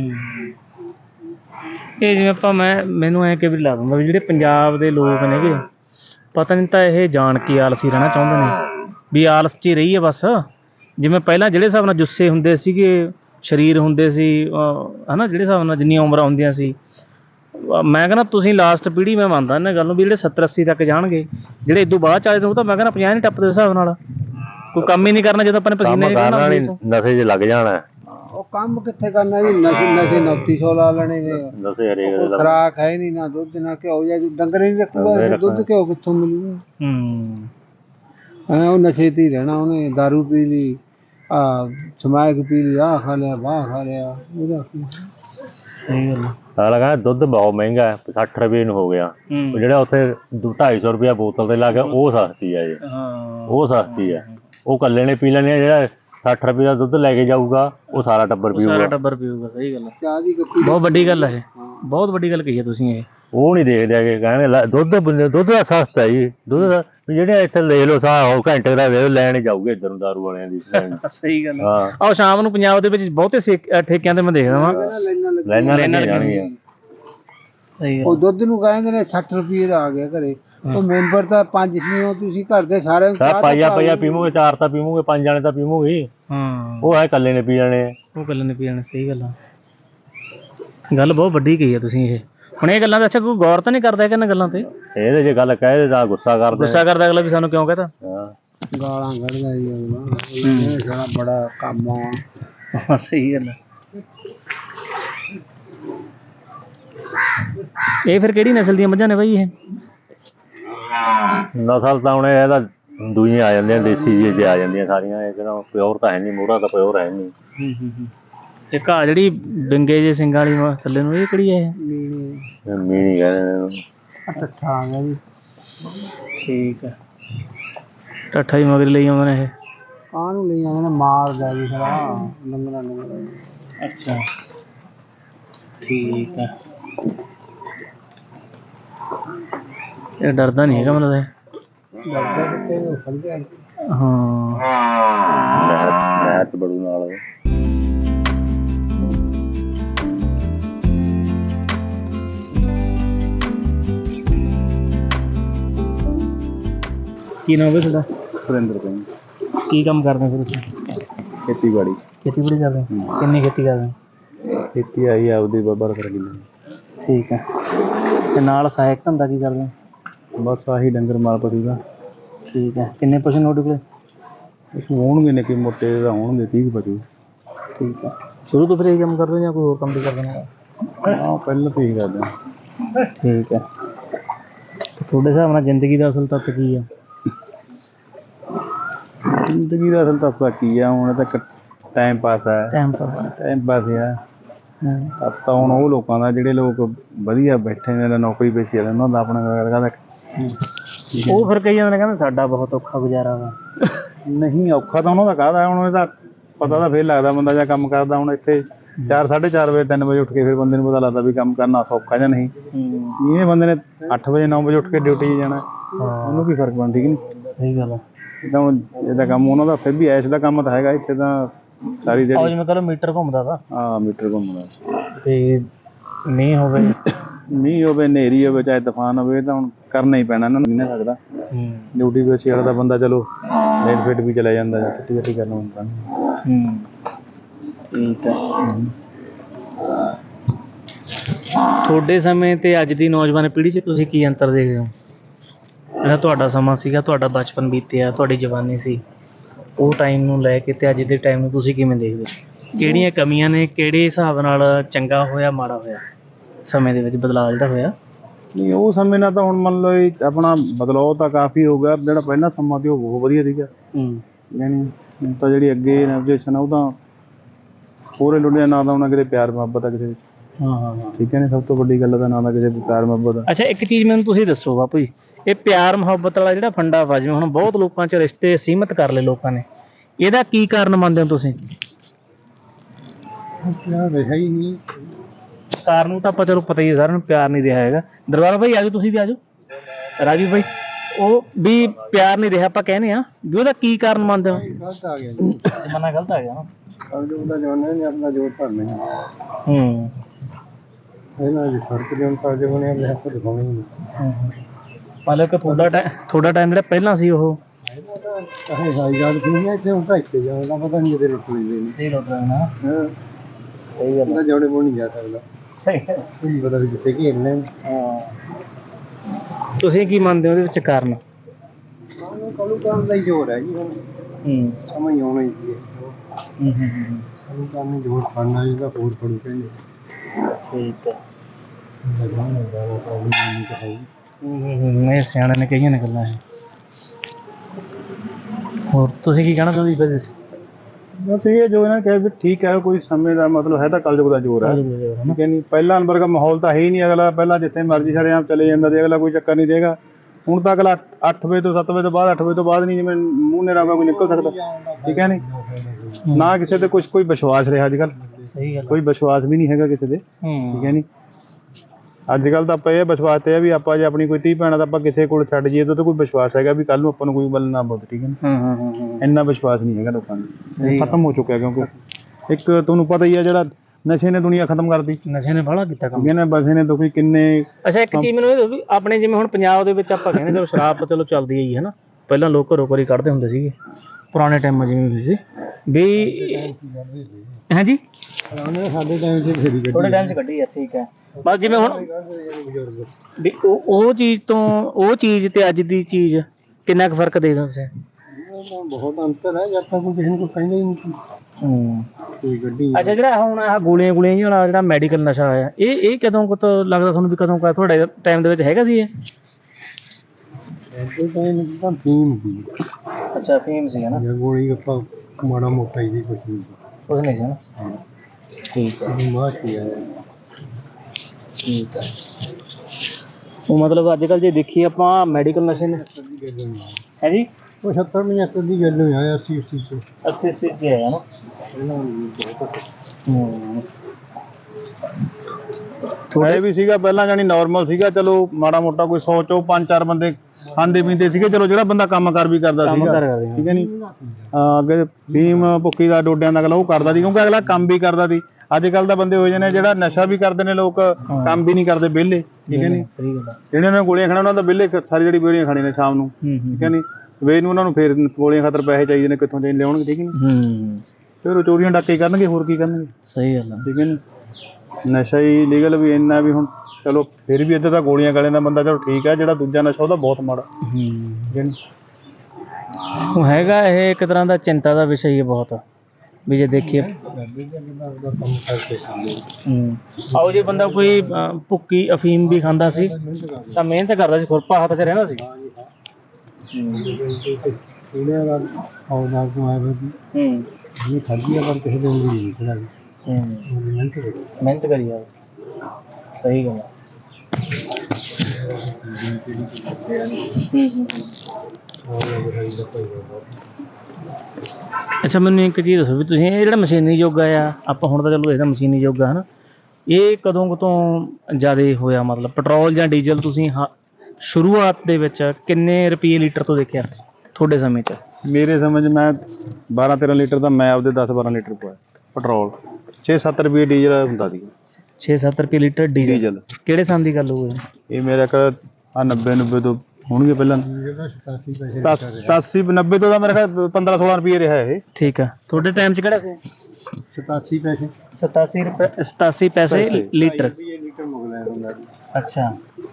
A: ਇਹ ਜਿਵੇਂ ਆਪਾਂ ਮੈਨੂੰ ਐਂ ਕਿ ਵੀ ਲਾ ਦੂੰਗਾ ਵੀ ਜਿਹੜੇ ਪੰਜਾਬ ਦੇ ਲੋਕ ਨੇਗੇ, ਪਤਾ ਨਹੀਂ ਤਾਂ ਇਹ ਜਾਣ ਕੇ ਆਲਸੀ ਰਹਿਣਾ ਚਾਹੁੰਦੇ ਨੇ, ਵੀ ਆਲਸ 'ਚ ਹੀ ਰਹੀਏ ਬਸ। ਜਿਵੇਂ ਪਹਿਲਾਂ ਜਿਹੜੇ ਹਿਸਾਬ ਨਾਲ ਜੁੱਸੇ ਹੁੰਦੇ ਸੀਗੇ, ਸਰੀਰ ਹੁੰਦੇ ਸੀ, ਹੈ ਨਾ, ਜਿਹੜੇ ਹਿਸਾਬ ਨਾਲ ਜਿੰਨੀਆਂ ਉਮਰਾਂ ਹੁੰਦੀਆਂ ਸੀ, ਮੈਂ ਕਹਿੰਦਾ ਤੁਸੀਂ ਲਾਸਟ ਪੀੜ੍ਹੀ, ਮੈਂ ਮੰਨਦਾ ਇਹਨਾਂ ਗੱਲ ਨੂੰ ਵੀ ਜਿਹੜੇ 70-80 ਤੱਕ ਜਾਣਗੇ, ਜਿਹੜੇ ਇਦੋਂ ਬਾਅਦ ਚੱਲਦੇ ਉਹ ਤਾਂ ਮੈਂ ਕਹਿੰਦਾ 50 ਨਹੀਂ ਟੱਪਦੇ ਉਸ ਹਿਸਾਬ ਨਾਲ। ਕੋਈ ਕੰਮ ਹੀ ਨਹੀਂ ਕਰਨਾ ਜਦੋਂ ਆਪਾਂ ਨੇ ਪਸੀਨੇ
C: ਨਸ਼ੇ 'ਚ ਲੱਗ ਜਾਣਾ।
B: ਉਹ ਕੰਮ ਕਿੱਥੇ ਕਰਨਾ ਜੀ? ਨਸ਼ੇ 3900 ਲਾ ਲੈਣੇ ਨੇ।
C: ਨਸ਼ੇ ਹਰੇਕ
B: ਖੁਰਾਕ ਹੈ ਨਹੀਂ, ਨਾ ਦੁੱਧ ਨਾ ਘਿਓ। ਜਾਂ ਡੰਗਰ ਹੀ ਰੱਖੂਗਾ, ਦੁੱਧ ਘਿਓ ਕਿੱਥੋਂ ਮਿਲੂਗਾ? ਉਹ ਨਸ਼ੇ ਤੇ ਹੀ ਰਹਿਣਾ ਉਹਨੇ। ਦਾਰੂ ਪੀ ਲਈ, ਸਮੈਕ ਪੀ ਲਈ, ਆਹ ਖਾ ਲਿਆ, ਵਾਹ ਖਾ ਲਿਆ, ਉਹਦਾ ਕੀ? ਸਹੀ ਗੱਲ।
C: ਅਗਲਾ ਕਹਿੰਦਾ ਦੁੱਧ ਬਹੁਤ ਮਹਿੰਗਾ ਹੈ, 60 ਰੁਪਏ ਨੂੰ ਹੋ ਗਿਆ। ਜਿਹੜਾ ਉੱਥੇ 250 ਰੁਪਇਆ ਬੋਤਲ ਤੇ ਲੱਗ ਗਿਆ, ਉਹ ਸਸਤੀ ਹੈ ਜੀ। ਉਹ ਸਸਤੀ ਹੈ, ਉਹ ਇਕੱਲੇ ਨੇ ਪੀ ਲੈਣੀ ਹੈ। ਜਿਹੜਾ 60 ਰੁਪਏ ਦਾ ਦੁੱਧ ਲੈ ਕੇ ਜਾਊਗਾ, ਉਹ ਸਾਰਾ ਟੱਬਰ ਪੀਊਗਾ। ਸਹੀ ਗੱਲ।
B: ਚਾਹ ਦੀ ਕੱਪੀ
A: ਬਹੁਤ ਵੱਡੀ ਗੱਲ ਹੈ, ਬਹੁਤ ਵੱਡੀ ਗੱਲ ਕਹੀ ਹੈ ਤੁਸੀਂ। ਇਹ
C: ਉਹ ਨਹੀਂ ਦੇਖਦੇ ਹੈਗੇ, ਕਹਿੰਦੇ ਦੁੱਧ ਦਾ ਸਸਤਾ ਜੀ। ਦੁੱਧ ਦਾ ਜਿਹੜੇ ਇੱਥੇ ਲੈ ਲਓ ਘੰਟੇ ਦਾ ਲੈਣ ਜਾਊਗੇ ਇੱਧਰ ਨੂੰ ਦਾਰੂ ਵਾਲਿਆਂ ਦੀ।
A: ਸਹੀ ਗੱਲ। ਆਹ ਸ਼ਾਮ ਨੂੰ ਪੰਜਾਬ ਦੇ ਵਿੱਚ ਬਹੁਤੇ ਠੇਕਿਆਂ ਤੇ ਮੈਂ ਦੇਖਦਾ ਵਾਂ
C: ਲਾਈਨਾਂ ਜਾਣਗੀਆਂ।
B: ਉਹ ਦੁੱਧ ਨੂੰ ਕਹਿੰਦੇ ਨੇ 60 ਰੁਪਏ ਦਾ ਆ ਗਿਆ ਘਰੇ। ਉਹ ਮੈਂਬਰ ਤਾਂ 5 ਸੀ, ਉਹ ਤੁਸੀਂ ਘਰ ਦੇ ਸਾਰਿਆਂ ਨੂੰ
C: ਪਾਈਆ ਪੀਵੋਗੇ, 4 ਤਾਂ ਪੀਵੋਗੇ, 5 ਜਾਣੇ ਤਾਂ ਪੀਵੋਗੇ। ਉਹ ਹੈ ਇਕੱਲੇ ਨੇ ਪੀ ਜਾਣੇ,
A: ਸਹੀ ਗੱਲ ਆ। ਗੱਲ ਬਹੁਤ ਵੱਡੀ ਕਹੀ ਆ ਤੁਸੀਂ ਇਹ। ਹੁਣ ਇਹ ਗੱਲਾਂ ਦਾ ਅੱਛਾ ਕੋਈ ਗੌਰ ਤਾਂ ਨਹੀਂ ਕਰਦਾ ਇਹਨਾਂ ਗੱਲਾਂ ਤੇ? ਇਹਦੇ
C: ਜੇ ਗੱਲ ਕਹਿ ਦੇ ਤਾਂ ਗੁੱਸਾ ਕਰਦਾ
A: ਅਗਲਾ ਵੀ ਸਾਨੂੰ ਕਿਉਂ ਕਹਤਾ।
B: ਗਾਲਾਂ ਕੱਢਦਾ ਜੀ ਅਗਲਾ, ਬੜਾ ਕੰਮ ਆ।
A: ਸਹੀ ਗੱਲ। ਇਹ ਫਿਰ ਕਿਹੜੀ ਨਸਲ ਦੀਆਂ ਮੱਝਾਂ ਨੇ ਬਾਈ? ਇਹ
C: ਨਸਲ ਤਾਂ ਹੁਣ ਇਹਦਾ ਦੂਈਆਂ ਆ ਜਾਂਦੀਆਂ, ਦੇਸੀ ਜਿਹੇ ਆ ਜਾਂਦੀਆਂ ਸਾਰੀਆਂ। ਇਹ ਕਿਹੜਾ ਪਿਓਰ ਤਾਂ ਹੈ ਨਹੀਂ, ਮੋਹਰਾ ਤਾਂ ਪਿਓਰ ਹੈ ਨਹੀਂ।
A: ਇੱਕ ਆ ਜਿਹੜੀ ਡਿੰਗੇ ਜੇ ਸਿੰਘਾਂ ਵਾਲੀ ਥੱਲੇ ਨੂੰ, ਇਹ ਕਿਹੜੀ ਹੈ?
C: ਮੀਣੀ ਕਹਿੰਦੇ।
B: ਅੱਛਾ ਆ ਗਿਆ ਜੀ।
A: ਠੀਕ ਹੈ। ਟੱਠਾ ਹੀ ਮਗਰ ਲਈ ਆਉਂਦੇ ਨੇ ਇਹ।
B: ਕਾਹਨੂੰ ਲਈ ਜਾਂਦੇ ਨੇ? ਮਾਰਦਾ ਜੀ ਸਾਰਾ ਡੰਗਰਾਂ।
A: ਅੱਛਾ ਠੀਕ ਹੈ। ਇਹ ਡਰਦਾ ਨਹੀਂ ਹੈਗਾ ਮੈਨੂੰ ਲੱਗਦਾ। ਹਾਂ
C: ਬੜੂ ਨਾਲ
A: ਕੀ ਨਾਮ ਹੈ ਤੁਹਾਡਾ?
C: ਸੁਰਿੰਦਰ ਸਿੰਘ।
A: ਕੀ ਕੰਮ ਕਰਦੇ ਫਿਰ ਤੁਸੀਂ?
C: ਖੇਤੀਬਾੜੀ
A: ਕਰਦੇ? ਕਿੰਨੀ ਖੇਤੀ ਕਰਦੇ?
C: ਖੇਤੀ ਆਈ ਆਪਦੀ ਬਾਬਾ ਕਰ ਲਈ।
A: ਠੀਕ ਹੈ। ਤੇ ਨਾਲ ਸਹਾਇਕ ਧੰਦਾ ਕੀ ਕਰਦੇ?
C: ਬਸ ਆਹੀ ਡੰਗਰ ਮਾਲ ਪਸ਼ੂ ਦਾ।
A: ਠੀਕ ਹੈ। ਕਿੰਨੇ ਪਸ਼ੂ ਤੁਹਾਡੇ ਕੋਲ?
C: ਹੋਣਗੇ ਨਿੱਕੇ ਮੋਟੇ ਤਾਂ ਹੋਣਗੇ 30 ਬਚੂ।
A: ਠੀਕ ਹੈ, ਸ਼ੁਰੂ ਤੋਂ ਫਿਰ ਇਹ ਕੰਮ ਕਰਦੇ ਹੋ ਜਾਂ ਕੋਈ ਹੋਰ ਕੰਮ ਵੀ ਕਰਦੇ ਹੋ?
C: ਹਾਂ ਪਹਿਲਾਂ ਤਾਂ ਇਹੀ ਕਰਦੇ ਹਾਂ।
A: ਠੀਕ ਹੈ, ਤੇ ਤੁਹਾਡੇ ਹਿਸਾਬ ਨਾਲ ਜ਼ਿੰਦਗੀ ਦਾ ਅਸਲ ਤੱਤ ਕੀ ਆ?
C: ਜ਼ਿੰਦਗੀ ਦਾ ਅਸਲ ਤੱਤ ਕੀ ਆ, ਹੁਣ ਤਾਂ ਟਾਈਮ ਪਾਸ ਹੈ।
A: ਟਾਈਮ ਪਾਸ
C: ਆ। ਤਾਂ ਹੁਣ ਉਹ ਲੋਕਾਂ ਦਾ ਜਿਹੜੇ ਲੋਕ ਵਧੀਆ ਬੈਠੇ ਨੇ ਨੌਕਰੀ ਪੇਸ਼ੀ ਵਾਲੇ, ਉਹਨਾਂ ਦਾ ਆਪਣਾ ਕਹਿੰਦਾ
A: ਉਹ ਫਿਰ ਕਈ ਜਾਂਦੇ ਨੇ ਕਹਿੰਦੇ ਸਾਡਾ ਬਹੁਤ ਔਖਾ ਗੁਜ਼ਾਰਾ ਵਾ।
C: ਨਹੀਂ ਔਖਾ ਤਾਂ ਉਹਨਾਂ ਦਾ ਕਾਹਦਾ, ਹੁਣ ਇਹਦਾ ਪਤਾ ਤਾਂ ਫਿਰ ਲੱਗਦਾ ਬੰਦਾ ਜਾਂ ਕੰਮ ਕਰਦਾ। ਹੁਣ ਇੱਥੇ 4 ਸਾਢੇ 4 ਵਜੇ 3 ਵਜੇ ਉੱਠ ਕੇ ਫਿਰ ਬੰਦੇ ਨੂੰ ਪਤਾ ਲੱਗਦਾ ਵੀ ਕੰਮ ਕਰਨਾ ਸੌਖਾ ਜਾਂ ਨਹੀਂ। ਇਹ ਬੰਦੇ ਨੇ 8 ਵਜੇ 9 ਵਜੇ ਉੱਠ ਕੇ ਡਿਊਟੀ ਜਾਣਾ, ਉਹਨੂੰ ਕੀ ਫਰਕ ਪੈਂਦਾ? ਠੀਕ ਨਹੀਂ,
A: ਸਹੀ ਗੱਲ ਆ।
C: ਜਿੱਦਾਂ ਹੁਣ ਇਹਦਾ ਕੰਮ ਉਹਨਾਂ ਦਾ ਫਿਰ ਵੀ ਐਸ਼ ਦਾ ਕੰਮ ਤਾਂ ਹੈਗਾ। ਇੱਥੇ ਤਾਂ ਸਾਰੀ ਦਿਹਾੜੀ
A: ਮਤਲਬ ਮੀਟਰ ਘੁੰਮਦਾ ਵਾ।
C: ਹਾਂ ਮੀਟਰ ਘੁੰਮਦਾ।
A: ਤੇ ਮੀਂਹ ਹੋਵੇ
C: ਹਨੇਰੀ ਹੋਵੇ ਚਾਹੇ ਤੂਫਾਨ ਹੋਵੇ, ਤਾਂ ਹੁਣ ਕਰਨਾ ਹੀ ਪੈਣਾ, ਇਹਨਾਂ ਨੂੰ ਨਹੀਂ ਸਕਦਾ। ਡਿਊਟੀ ਵਿੱਚ ਵਾਲਾ ਦਾ ਬੰਦਾ ਚਲੋ ਲੇਟ ਫੇਟ ਵੀ ਚਲਾ ਜਾਂਦਾ ਜਾਂ ਛੁੱਟੀ ਛੁੱਟੀ ਕਰਨਾ ਹੁੰਦਾ।
A: ਠੀਕ ਹੈ। ਤੁਹਾਡੇ ਸਮੇਂ ਤੇ ਅੱਜ ਦੀ ਨੌਜਵਾਨ ਪੀੜ੍ਹੀ 'ਚ ਤੁਸੀਂ ਕੀ ਅੰਤਰ ਦੇਖਦੇ ਹੋ? ਜਿਹੜਾ ਤੁਹਾਡਾ ਸਮਾਂ ਸੀਗਾ, ਤੁਹਾਡਾ ਬਚਪਨ ਬੀਤਿਆ, ਤੁਹਾਡੀ ਜਵਾਨੀ ਸੀ, ਉਹ ਟਾਈਮ ਨੂੰ ਲੈ ਕੇ ਤੇ ਅੱਜ ਦੇ ਟਾਈਮ ਨੂੰ ਤੁਸੀਂ ਕਿਵੇਂ ਦੇਖਦੇ ਹੋ? ਕਿਹੜੀਆਂ ਕਮੀਆਂ ਨੇ, ਕਿਹੜੇ ਹਿਸਾਬ ਨਾਲ ਚੰਗਾ ਹੋਇਆ ਮਾੜਾ ਹੋਇਆ ਸਮੇਂ ਦੇ ਵਿੱਚ ਬਦਲਾਅ ਜਿਹੜਾ ਹੋਇਆ?
C: ਨਹੀਂ ਉਹ ਸਮੇਂ ਨਾਲ ਤਾਂ ਹੁਣ ਮੰਨ ਲਓ ਇਹ ਆਪਣਾ ਬਦਲਾਅ ਤਾਂ ਕਾਫੀ ਹੋ ਗਿਆ। ਜਿਹੜਾ ਪਹਿਲਾਂ ਸਮਾਂ ਸੀ ਉਹ ਬਹੁਤ ਵਧੀਆ ਸੀਗਾ। ਯਾਨੀ ਹੁਣ ਤਾਂ ਜਿਹੜੀ ਅੱਗੇ ਨਵਜਨਰੇਸ਼ਨ ਆ ਉਹ ਤਾਂ ਪੂਰੇ ਲੁੱਟਿਆ, ਨਾ ਤਾਂ ਉਹਨਾਂ ਕਿਤੇ ਪਿਆਰ ਮੁਹੱਬਤ ਆ ਕਿਸੇ ਵਿੱਚ। ਠੀਕ ਹੈ ਨੇ, ਸਭ ਤੋਂ ਵੱਡੀ ਗੱਲ ਤਾਂ ਨਾ ਤਾਂ ਕਿਸੇ ਪਿਆਰ ਮੁਹੱਬਤ ਆ।
A: ਅੱਛਾ, ਇੱਕ ਚੀਜ਼ ਮੈਨੂੰ ਤੁਸੀਂ ਦੱਸੋ ਬਾਪੂ ਜੀ, ਇਹ ਪਿਆਰ ਮੁਹੱਬਤ ਵਾਲਾ ਜਿਹੜਾ ਫੰਡਾ ਵਾ, ਜਿਵੇਂ ਹੁਣ ਬਹੁਤ ਲੋਕਾਂ 'ਚ ਰਿਸ਼ਤੇ ਸੀਮਿਤ ਕਰ ਲਏ ਲੋਕਾਂ ਨੇ, ਇਹਦਾ ਕੀ ਕਾਰਨ ਮੰਨਦੇ ਹੋ ਤੁਸੀਂ?
C: ਪਿਆਰ ਰਿਹਾ ਹੀ ਨਹੀਂ।
A: ਕਾਰਨ ਨੂੰ ਤਾਂ ਆਪਾਂ ਚਲੋ ਪਤਾ ਹੀ ਹੈ ਸਾਰਿਆਂ ਨੂੰ, ਪਿਆਰ ਨਹੀਂ ਰਿਹਾ ਹੈਗਾ। ਦਰਬਾਰਾ ਭਾਈ ਆਜੋ, ਤੁਸੀਂ ਵੀ ਆਜੋ। ਰਾਜੂ ਭਾਈ, ਉਹ ਵੀ ਪਿਆਰ ਨਹੀਂ ਰਿਹਾ ਆਪਾਂ ਕਹਿੰਦੇ ਆ ਵੀ, ਉਹਦਾ ਕੀ ਕਾਰਨ ਮੰਨਦੇ ਹੋ?
B: ਗਲਤ ਆ ਗਿਆ ਜੀ,
A: ਜ਼ਮਾਨਾ ਗਲਤ ਆ ਗਿਆ ਨਾ।
B: ਉਹਦਾ ਜਵਾਨਾ ਨੇ ਆਪਣਾ ਜੋਰ ਭਰਨਾ। ਇਹਨਾਂ ਦੀ ਫਰਕ ਦੇ ਅਨੁਸਾਰ ਜੇ ਉਹਨੇ ਆਪਣੇ ਹੱਥ ਦਿਖਾਉਣੇ ਹੀ ਨਹੀਂ।
A: ਮਤਲਬ ਕਿ ਤੁਹਾਡਾ ਟਾਈਮ ਜਿਹੜਾ ਪਹਿਲਾਂ ਸੀ ਉਹ
B: ਚਾਹੇ ਹਾਈ ਗੱਲ ਨਹੀਂ ਹੈ, ਇੱਥੇ ਹੁਣ ਤਾਂ ਇੱਥੇ ਜਾਣਾ ਪਤਾ ਨਹੀਂ ਇਹਦੇ ਰੁੱਟ ਲੈਂਦੇ ਨੇ।
A: ਸਹੀ ਗੱਲ ਹੈ ਨਾ।
B: ਸਹੀ ਗੱਲ ਹੈ, ਜੋੜੇ ਬੋਲ ਨਹੀਂ ਜਾ ਸਕਦਾ।
A: ਸਹੀ ਹੈ,
B: ਕੀ ਪਤਾ ਵੀ ਕਿੱਥੇ ਘੇਰਨੇ।
A: ਤੁਸੀਂ ਕੀ ਮੰਨਦੇ ਹੋ ਉਹਦੇ ਵਿੱਚ ਕਾਰਨ?
B: ਕਲੂ ਕਰਨ ਦਾ ਹੀ ਜ਼ੋਰ ਹੈ ਜੀ, ਹੁਣ ਸਮਝ ਆਉਣਾ ਹੀ ਸੀ। ਕਲੂ ਕਰਨ ਨੇ ਜ਼ੋਰ ਫੜਨਾ ਜੀ, ਤਾਂ ਹੋਰ ਫੜੂ ਕਹਿੰਦੇ।
A: ਠੀਕ ਹੈ। ਇਹ ਸਿਆਣੇ ਨੇ ਕਹੀਆਂ ਨੇ ਗੱਲਾਂ ਇਹ। ਹੋਰ ਤੁਸੀਂ ਕੀ ਕਹਿਣਾ ਚਾਹੁੰਦੇ ਜੀ?
C: ਬਸ ਇਹ ਜੋ ਇਹਨਾਂ ਨੇ ਕਿਹਾ ਵੀ ਠੀਕ ਹੈ, ਕੋਈ ਸਮੇਂ ਦਾ ਮਤਲਬ ਹੈ ਤਾਂ ਕਲਯੁਗ ਦਾ ਜ਼ੋਰ ਹੈ। ਠੀਕ ਹੈ ਨਹੀਂ, ਪਹਿਲਾਂ ਵਰਗਾ ਮਾਹੌਲ ਤਾਂ ਹੈ ਹੀ ਨਹੀਂ। ਅਗਲਾ ਪਹਿਲਾਂ ਜਿੱਥੇ ਮਰਜ਼ੀ ਸ਼ਰੇਆਮ ਚਲੇ ਜਾਂਦਾ ਸੀ, ਅਗਲਾ ਕੋਈ ਚੱਕਰ ਨਹੀਂ ਦੇਗਾ। ਹੁਣ ਤਾਂ ਅਗਲਾ 8 ਵਜੇ ਤੋਂ 7 ਵਜੇ ਤੋਂ ਬਾਅਦ, 8 ਵਜੇ ਤੋਂ ਬਾਅਦ ਨਹੀਂ ਜਿਵੇਂ ਮੂੰਹ ਨੇ ਰਾਗਾ ਕੋਈ ਨਿਕਲ ਸਕਦਾ। ਠੀਕ ਹੈ ਨਹੀਂ, ਨਾ ਕਿਸੇ ਤੇ ਕੋਈ ਵਿਸ਼ਵਾਸ ਰਿਹਾ ਅੱਜ ਕੱਲ੍ਹ।
A: ਸਹੀ ਗੱਲ,
C: ਕੋਈ ਵਿਸ਼ਵਾਸ ਵੀ ਨਹੀਂ ਹੈਗਾ ਕਿਸੇ ਦੇ। ਠੀਕ ਹੈ ਨਹੀਂ, ਅੱਜ ਕੱਲ੍ਹ ਤਾਂ ਆਪਾਂ ਇਹ ਵਿਸ਼ਵਾਸ ਤੇ ਆ ਵੀ ਆਪਾਂ ਜੇ ਆਪਣੀ ਕੋਈ ਧੀ ਭੈਣ ਤਾਂ ਆਪਾਂ ਕਿਸੇ ਕੋਲ ਛੱਡ ਜਾਈਏ ਤਾਂ ਕੋਈ ਵਿਸ਼ਵਾਸ ਹੈਗਾ ਵੀ ਕੱਲ੍ਹ ਨੂੰ ਆਪਾਂ ਨੂੰ ਕੋਈ ਗੱਲ ਨਾ ਬੋਲੇ। ਠੀਕ ਹੈ ਨਾ, ਇੰਨਾ ਵਿਸ਼ਵਾਸ ਨਹੀਂ ਹੈਗਾ ਲੋਕਾਂ ਨੂੰ, ਖਤਮ ਹੋ ਚੁੱਕਿਆ। ਕਿਉਂਕਿ ਇੱਕ ਤੁਹਾਨੂੰ ਪਤਾ ਹੀ ਆ, ਜਿਹੜਾ ਨਸ਼ੇ ਨੇ ਦੁਨੀਆ ਖਤਮ ਕਰਤੀ।
A: ਨਸ਼ੇ ਨੇ ਬਾਹਲਾ ਕੀਤਾ ਕੰਮ।
C: ਨਸ਼ੇ ਨੇ ਦੁਖੀ ਕਿੰਨੇ।
A: ਅੱਛਾ, ਇੱਕ ਚੀਜ਼ ਮੈਨੂੰ ਇਹ ਦੱਸੋ ਵੀ ਆਪਣੇ ਜਿਵੇਂ ਹੁਣ ਪੰਜਾਬ ਦੇ ਵਿੱਚ ਆਪਾਂ ਕਹਿੰਦੇ ਚਲੋ ਸ਼ਰਾਬ ਤਾਂ ਚਲੋ ਚੱਲਦੀ ਹੈ ਹੈ ਨਾ, ਪਹਿਲਾਂ ਲੋਕ ਘਰੋਂ ਘਰੀ ਕੱਢਦੇ ਹੁੰਦੇ ਸੀਗੇ ਪੁਰਾਣੇ ਟਾਈਮਾਂ ਜਿਵੇਂ ਵੀ ਸੀ ਵੀ। ਹਾਂਜੀ,
B: ਸਾਡੇ ਟਾਈਮ 'ਚ ਫੇਰੀ ਗੱਡੀ,
A: ਥੋੜੇ ਟਾਈਮ 'ਚ ਕੱਢੀ ਆ। ਠੀਕ ਹੈ, ਬਸ ਜਿਵੇਂ ਹੁਣ ਵੀ ਉਹ ਚੀਜ਼ ਤੋਂ ਉਹ ਚੀਜ਼ ਤੇ ਅੱਜ ਦੀ ਚੀਜ਼ ਕਿੰਨਾ ਕੁ ਫਰਕ ਦੇ ਦਿਓ ਤੁਸੀਂ?
B: ਬਹੁਤ ਅੰਤਰ ਹੈ, ਜਦ ਤੱਕ ਕਿਸੇ ਨੂੰ ਕੋਈ ਕਹਿੰਦਾ ਹੀ ਨਹੀਂ ਕੋਈ ਗੱਡੀ।
A: ਅੱਛਾ, ਜਿਹੜਾ ਹੁਣ ਆਹ ਗੋਲੀਆਂ ਵਾਲਾ ਜਿਹੜਾ ਮੈਡੀਕਲ ਨਸ਼ਾ ਆਇਆ, ਇਹ ਕਦੋਂ ਕੁ ਤੋਂ ਲੱਗਦਾ ਤੁਹਾਨੂੰ ਵੀ ਕਦੋਂ ਕੁ ਤੁਹਾਡੇ ਟਾਈਮ ਦੇ ਵਿੱਚ ਹੈਗਾ ਸੀ ਇਹ?
B: ਤਾਂ ਫੀਮ ਸੀ।
A: ਅੱਛਾ, ਫੀਮ ਸੀ ਨਾ।
B: ਗੋਲੀ ਗੱਪਾ ਮਾੜਾ ਮੋਟਾ ਹੀ ਕੁਛ ਨਹੀਂ
A: ਸੀ ਨਾ। ਠੀਕ ਹੈ, ਠੀਕ ਹੈ। ਉਹ ਮਤਲਬ ਅੱਜ ਕੱਲ੍ਹ ਜੇ ਦੇਖੀਏ ਆਪਾਂ ਮੈਡੀਕਲ ਨਸ਼ੇ ਨੇ ਹੈ ਜੀ,
B: ਉਹ 70-75 ਦੀ ਗੱਲ ਹੋਈ ਆ, 80-80
A: ਚ ਆਇਆ ਨਾ।
C: ਥੋੜੇ ਵੀ ਸੀਗਾ ਪਹਿਲਾਂ, ਜਾਨੀ ਨਾਰਮਲ ਸੀਗਾ। ਚਲੋ ਮਾੜਾ ਮੋਟਾ ਕੋਈ 100 ਚੋਂ 5-4 ਬੰਦੇ ਖਾਂਦੇ ਪੀਂਦੇ ਸੀਗੇ। ਚਲੋ ਜਿਹੜਾ ਬੰਦਾ ਕੰਮ ਕਰ ਵੀ ਕਰਦਾ ਸੀਗਾ। ਠੀਕ ਹੈ ਨਹੀਂ, ਅੱਗੇ ਫੀਮ ਭੁੱਕੀ ਦਾ ਡੋਡਿਆਂ ਦਾ ਅਗਲਾ ਉਹ ਕਰਦਾ ਸੀ, ਕਿਉਂਕਿ ਅਗਲਾ ਕੰਮ ਵੀ ਕਰਦਾ ਸੀ। ਅੱਜ ਕੱਲ੍ਹ ਤਾਂ ਬੰਦੇ ਹੋਏ ਨੇ ਜਿਹੜਾ ਨਸ਼ਾ ਵੀ ਕਰਦੇ ਨੇ ਲੋਕ, ਕੰਮ ਵੀ ਨਹੀਂ ਕਰਦੇ, ਵਿਹਲੇ। ਠੀਕ ਹੈ ਨਹੀਂ, ਜਿਹੜਿਆਂ ਨੇ ਗੋਲੀਆਂ ਖਾਣਾ ਉਹਨਾਂ ਦਾ ਵਿਹਲੇ ਸਾਰੀ ਜਿਹੜੀ ਗੋਲੀਆਂ ਖਾਣੀਆਂ ਨੇ ਸ਼ਾਮ ਨੂੰ। ਠੀਕ ਹੈ ਨਹੀਂ, ਸਵੇਰ ਨੂੰ ਉਹਨਾਂ ਨੂੰ ਫਿਰ ਗੋਲੀਆਂ ਖਾਤਰ ਪੈਸੇ ਚਾਹੀਦੇ ਨੇ, ਕਿੱਥੋਂ ਚਾਹੀਦੇ ਲਿਆਉਣਗੇ। ਠੀਕ ਹੈ ਨਹੀਂ, ਫਿਰ ਉਹ ਚੋਰੀਆਂ ਡਾਕੇ ਕਰਨਗੇ, ਹੋਰ ਕੀ ਕਰਨਗੇ। ਸਹੀ ਗੱਲ ਹੈ। ਠੀਕ ਹੈ ਨਹੀਂ, ਨਸ਼ਾ ਹੀ ਲੀਗਲ ਵੀ ਇੰਨਾ ਵੀ ਹੁਣ ਚਲੋ ਫਿਰ ਵੀ ਇੱਧਰ ਤਾਂ ਗੋਲੀਆਂ ਗਾਲੀਆਂ ਦਾ ਬੰਦਾ ਚਲੋ ਠੀਕ ਹੈ, ਜਿਹੜਾ ਦੂਜਾ ਨਸ਼ਾ ਉਹਦਾ ਬਹੁਤ ਮਾੜਾ। ਠੀਕ ਹੈ ਨਹੀਂ,
A: ਉਹ ਹੈਗਾ ਇਹ ਇੱਕ ਤਰ੍ਹਾਂ ਦਾ ਚਿੰਤਾ ਦਾ ਵਿਸ਼ਾ ਹੀ ਹੈ ਬਹੁਤ, ਵੀ ਜੇ ਦੇਖੀਏ। ਆਓ ਜੇ ਬੰਦਾ ਕੋਈ ਭੁੱਕੀ ਅਫੀਮ ਵੀ ਖਾਂਦਾ ਸੀ ਤਾਂ ਮਿਹਨਤ ਕਰਦਾ ਸੀ, ਖੁਰਪਾ ਹੱਥ 'ਚ ਰਹਿੰਦਾ ਸੀ।
B: ਖਾਧੀ ਆ ਪਰ ਕਿਸੇ ਦਿਨ ਵੀ ਨਹੀਂ ਖੜਾਈ।
A: ਮਿਹਨਤ ਕਰੀ ਜਾਓ, ਸਹੀ ਗੱਲ ਹੈ। ਅੱਛਾ ਮੈਨੂੰ ਇੱਕ ਚੀਜ਼ ਦੱਸੋ ਵੀ ਤੁਸੀਂ ਇਹ ਜਿਹੜਾ ਮਸ਼ੀਨੀ ਯੁੱਗ ਆ, ਆਪਾਂ ਹੁਣ ਤਾਂ ਚਲੋ ਦੇਖਦੇ ਮਸ਼ੀਨੀ ਯੁੱਗ ਆ, ਹੈ ਨਾ, ਇਹ ਕਦੋਂ ਕੁ ਤੋਂ ਜ਼ਿਆਦਾ ਹੋਇਆ? ਮਤਲਬ ਪੈਟਰੋਲ ਜਾਂ ਡੀਜ਼ਲ ਤੁਸੀਂ ਸ਼ੁਰੂਆਤ ਦੇ ਵਿੱਚ ਕਿੰਨੇ ਰੁਪਏ ਲੀਟਰ ਤੋਂ ਦੇਖਿਆ ਤੁਹਾਡੇ ਸਮੇਂ 'ਚ?
D: ਮੇਰੇ ਸਮਝ ਮੈਂ 12-13 ਲੀਟਰ ਦਾ ਮੈਂ ਆਪਦੇ 10-12 ਲੀਟਰ ਪਾਇਆ ਪੈਟਰੋਲ। 6-7 ਰੁਪਏ ਡੀਜ਼ਲ ਹੁੰਦਾ ਸੀ।
A: 6-7 ਰੁਪਏ ਲੀਟਰ ਡੀਜ਼ਲ। ਕਿਹੜੇ ਸਾਲ ਦੀ ਗੱਲ ਹੋਈ? ਇਹ
D: ਮੇਰਾ ਇੱਕ 90 ਤੋਂ ਹੋਣਗੇ ਪਹਿਲਾਂ। 87-90 ਤੋਂ ਦਾ ਮੇਰਾ ਖਿਆਲ 15-16 ਰੁਪਏ ਰਿਹਾ ਇਹ।
A: ਠੀਕ ਆ। ਤੁਹਾਡੇ ਟਾਈਮ 'ਚ ਕਿਹੜਾ ਸੀ?
B: 87 ਪੈਸੇ।
A: 87 ਪੈਸੇ ਲੀਟਰ। ਅੱਛਾ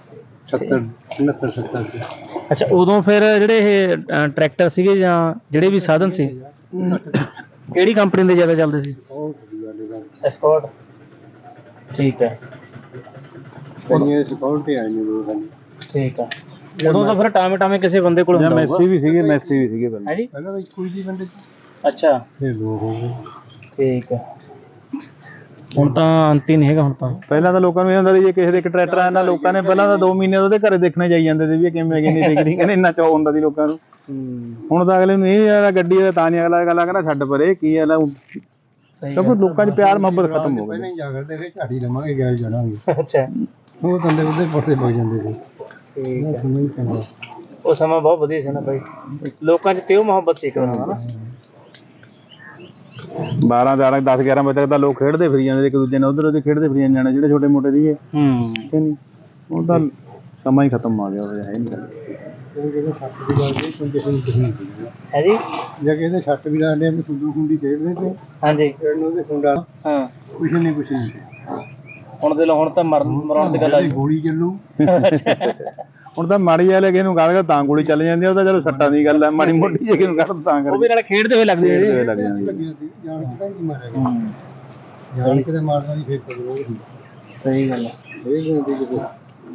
B: 70
A: ਅੱਛਾ ਉਦੋਂ ਫਿਰ ਜਿਹੜੇ ਇਹ ਟਰੈਕਟਰ ਸੀਗੇ ਜਾਂ ਜਿਹੜੇ ਵੀ ਸਾਧਨ ਸੀ ਕਿਹੜੀ ਕੰਪਨੀ ਦੇ ਜ਼ਿਆਦਾ ਚੱਲਦੇ ਸੀ? ਐਸਕੋਰਟ। ਠੀਕ ਹੈ। ਠੀਕ ਆ। ਉਦੋਂ ਤਾਂ ਫਿਰ ਟਾਵੇਂ ਕਿਸੇ ਬੰਦੇ ਕੋਲ ਹੁੰਦਾ ਹੋਊਗਾ।
D: ਮੈਸੀ ਵੀ ਸੀਗੇ ਪਹਿਲਾਂ।
A: ਹਾਂਜੀ
B: ਪਹਿਲਾਂ ਤਾਂ ਕੋਈ ਵੀ ਬੰਦੇ।
A: ਅੱਛਾ
B: ਫਿਰ ਦੋ ਹੋ ਗਏ।
A: ਠੀਕ ਹੈ। ਹੁਣ ਤਾਂ ਅੰਤ ਹੀ ਨਹੀਂ ਹੈਗਾ। ਹੁਣ ਤਾਂ
D: ਪਹਿਲਾਂ ਤਾਂ ਲੋਕਾਂ ਨੂੰ ਇਹ ਹੁੰਦਾ ਸੀ ਜੇ ਕਿਸੇ ਦੇ ਇੱਕ ਟਰੈਕਟਰ ਆਇਆ ਨਾ, ਲੋਕਾਂ ਨੇ ਪਹਿਲਾਂ ਤਾਂ 2 ਮਹੀਨੇ ਉਹਦੇ ਘਰੇ ਦੇਖਣੇ ਜਾਈ ਜਾਂਦੇ ਸੀ ਵੀ ਕਿਵੇਂ ਕਿੰਨੀ ਟਿਕੜੀ, ਕਹਿੰਦੇ ਇੰਨਾ ਚਾਅ ਹੁੰਦਾ ਸੀ ਲੋਕਾਂ ਨੂੰ। ਹੁਣ ਤਾਂ ਅਗਲੇ ਨੂੰ ਇਹ ਆ ਗੱਡੀ ਦਾ ਤਾਂ ਨਹੀਂ, ਅਗਲਾ ਗੱਲ ਕਹਿੰਦਾ ਛੱਡ ਪਰੇ ਕੀ ਆ ਨਾ, ਕਿਉਂਕਿ ਲੋਕਾਂ 'ਚ ਪਿਆਰ ਮੁਹੱਬਤ ਖਤਮ ਹੋ ਗਈ।
B: ਪਹਿਲਾਂ ਹੀ ਜਾ ਕਰਦੇ ਫਿਰ ਝਾੜੀ ਲਵਾਂਗੇ ਗੈਲ ਜਾਣਾਂਗੇ।
A: ਅੱਛਾ
B: ਉਹ ਬੰਦੇ ਉਹਦੇ ਪੋਟੇ ਪੈ ਜਾਂਦੇ ਸੀ।
A: ਉਹ ਸਮਾਂ ਬਹੁਤ ਵਧੀਆ ਸੀ ਨਾ ਬਾਈ, ਲੋਕਾਂ 'ਚ ਪਿਓ ਮੁਹੱਬਤ ਸੀ ਇੱਕ ਤਰ੍ਹਾਂ ਦਾ ਨਾ।
D: 12 10 11 ਵਜੇ ਤੱਕ ਤਾਂ ਲੋਕ ਖੇਡਦੇ ਫਿਰੀ ਜਾਂਦੇ ਇੱਕ ਦੂਜੇ ਨਾਲ, ਉਧਰ ਖੇਡਦੇ ਫਿਰੀ ਜਾਂਦੇ ਜਿਹੜੇ ਛੋਟੇ ਮੋਟੇ ਸੀਗੇ। ਨਹੀਂ ਹੁਣ ਤਾਂ ਸਮਾਂ ਹੀ ਖਤਮ ਆ ਗਿਆ, ਉਹ ਹੈ ਨਹੀਂ ਗੱਲ।
A: ਹੈ ਜੀ
B: ਜੇ ਕਿਸੇ ਛੱਟ ਵੀ ਲਾਉਂਦੇ ਆ ਖੁੰਡੂ ਖੁੰਡੀ ਖੇਡਦੇ ਤੇ।
A: ਹਾਂਜੀ
B: ਉਹਦੇ ਖੁੰਡਾ ਕੁਛ ਨਹੀਂ
A: ਹੁਣ ਦੇ ਲੋ, ਹੁਣ ਤਾਂ ਮਰਾਉਣ ਦੀ ਗੱਲ ਆ
B: ਗੋਲੀ ਚੱਲੂ।
D: ਹੁਣ ਤਾਂ ਮਾੜੀ ਵਾਲੇ ਕਿਸੇ ਨੂੰ ਕੱਢ ਤਾਂ ਗੋਲੀ ਚੱਲ ਜਾਂਦੀ ਆ, ਉਹ ਤਾਂ ਚਲੋ ਸੱਟਾਂ ਦੀ ਗੱਲ ਹੈ, ਮਾੜੀ ਮੋਟੀ ਜੇ ਕਿਸੇ ਨੂੰ ਕੱਢ ਤਾਂ ਕਰ
A: ਉਹ ਵੀ ਨਾਲ ਖੇਡਦੇ ਹੋਏ ਲੱਗਦੇ
D: ਲੱਗ ਜਾਂਦੀ।
B: ਜਾਣ ਕੇ ਮਾਰਦਾ ਨਹੀਂ ਫਿਰ
A: ਸਹੀ ਗੱਲ ਹੈ।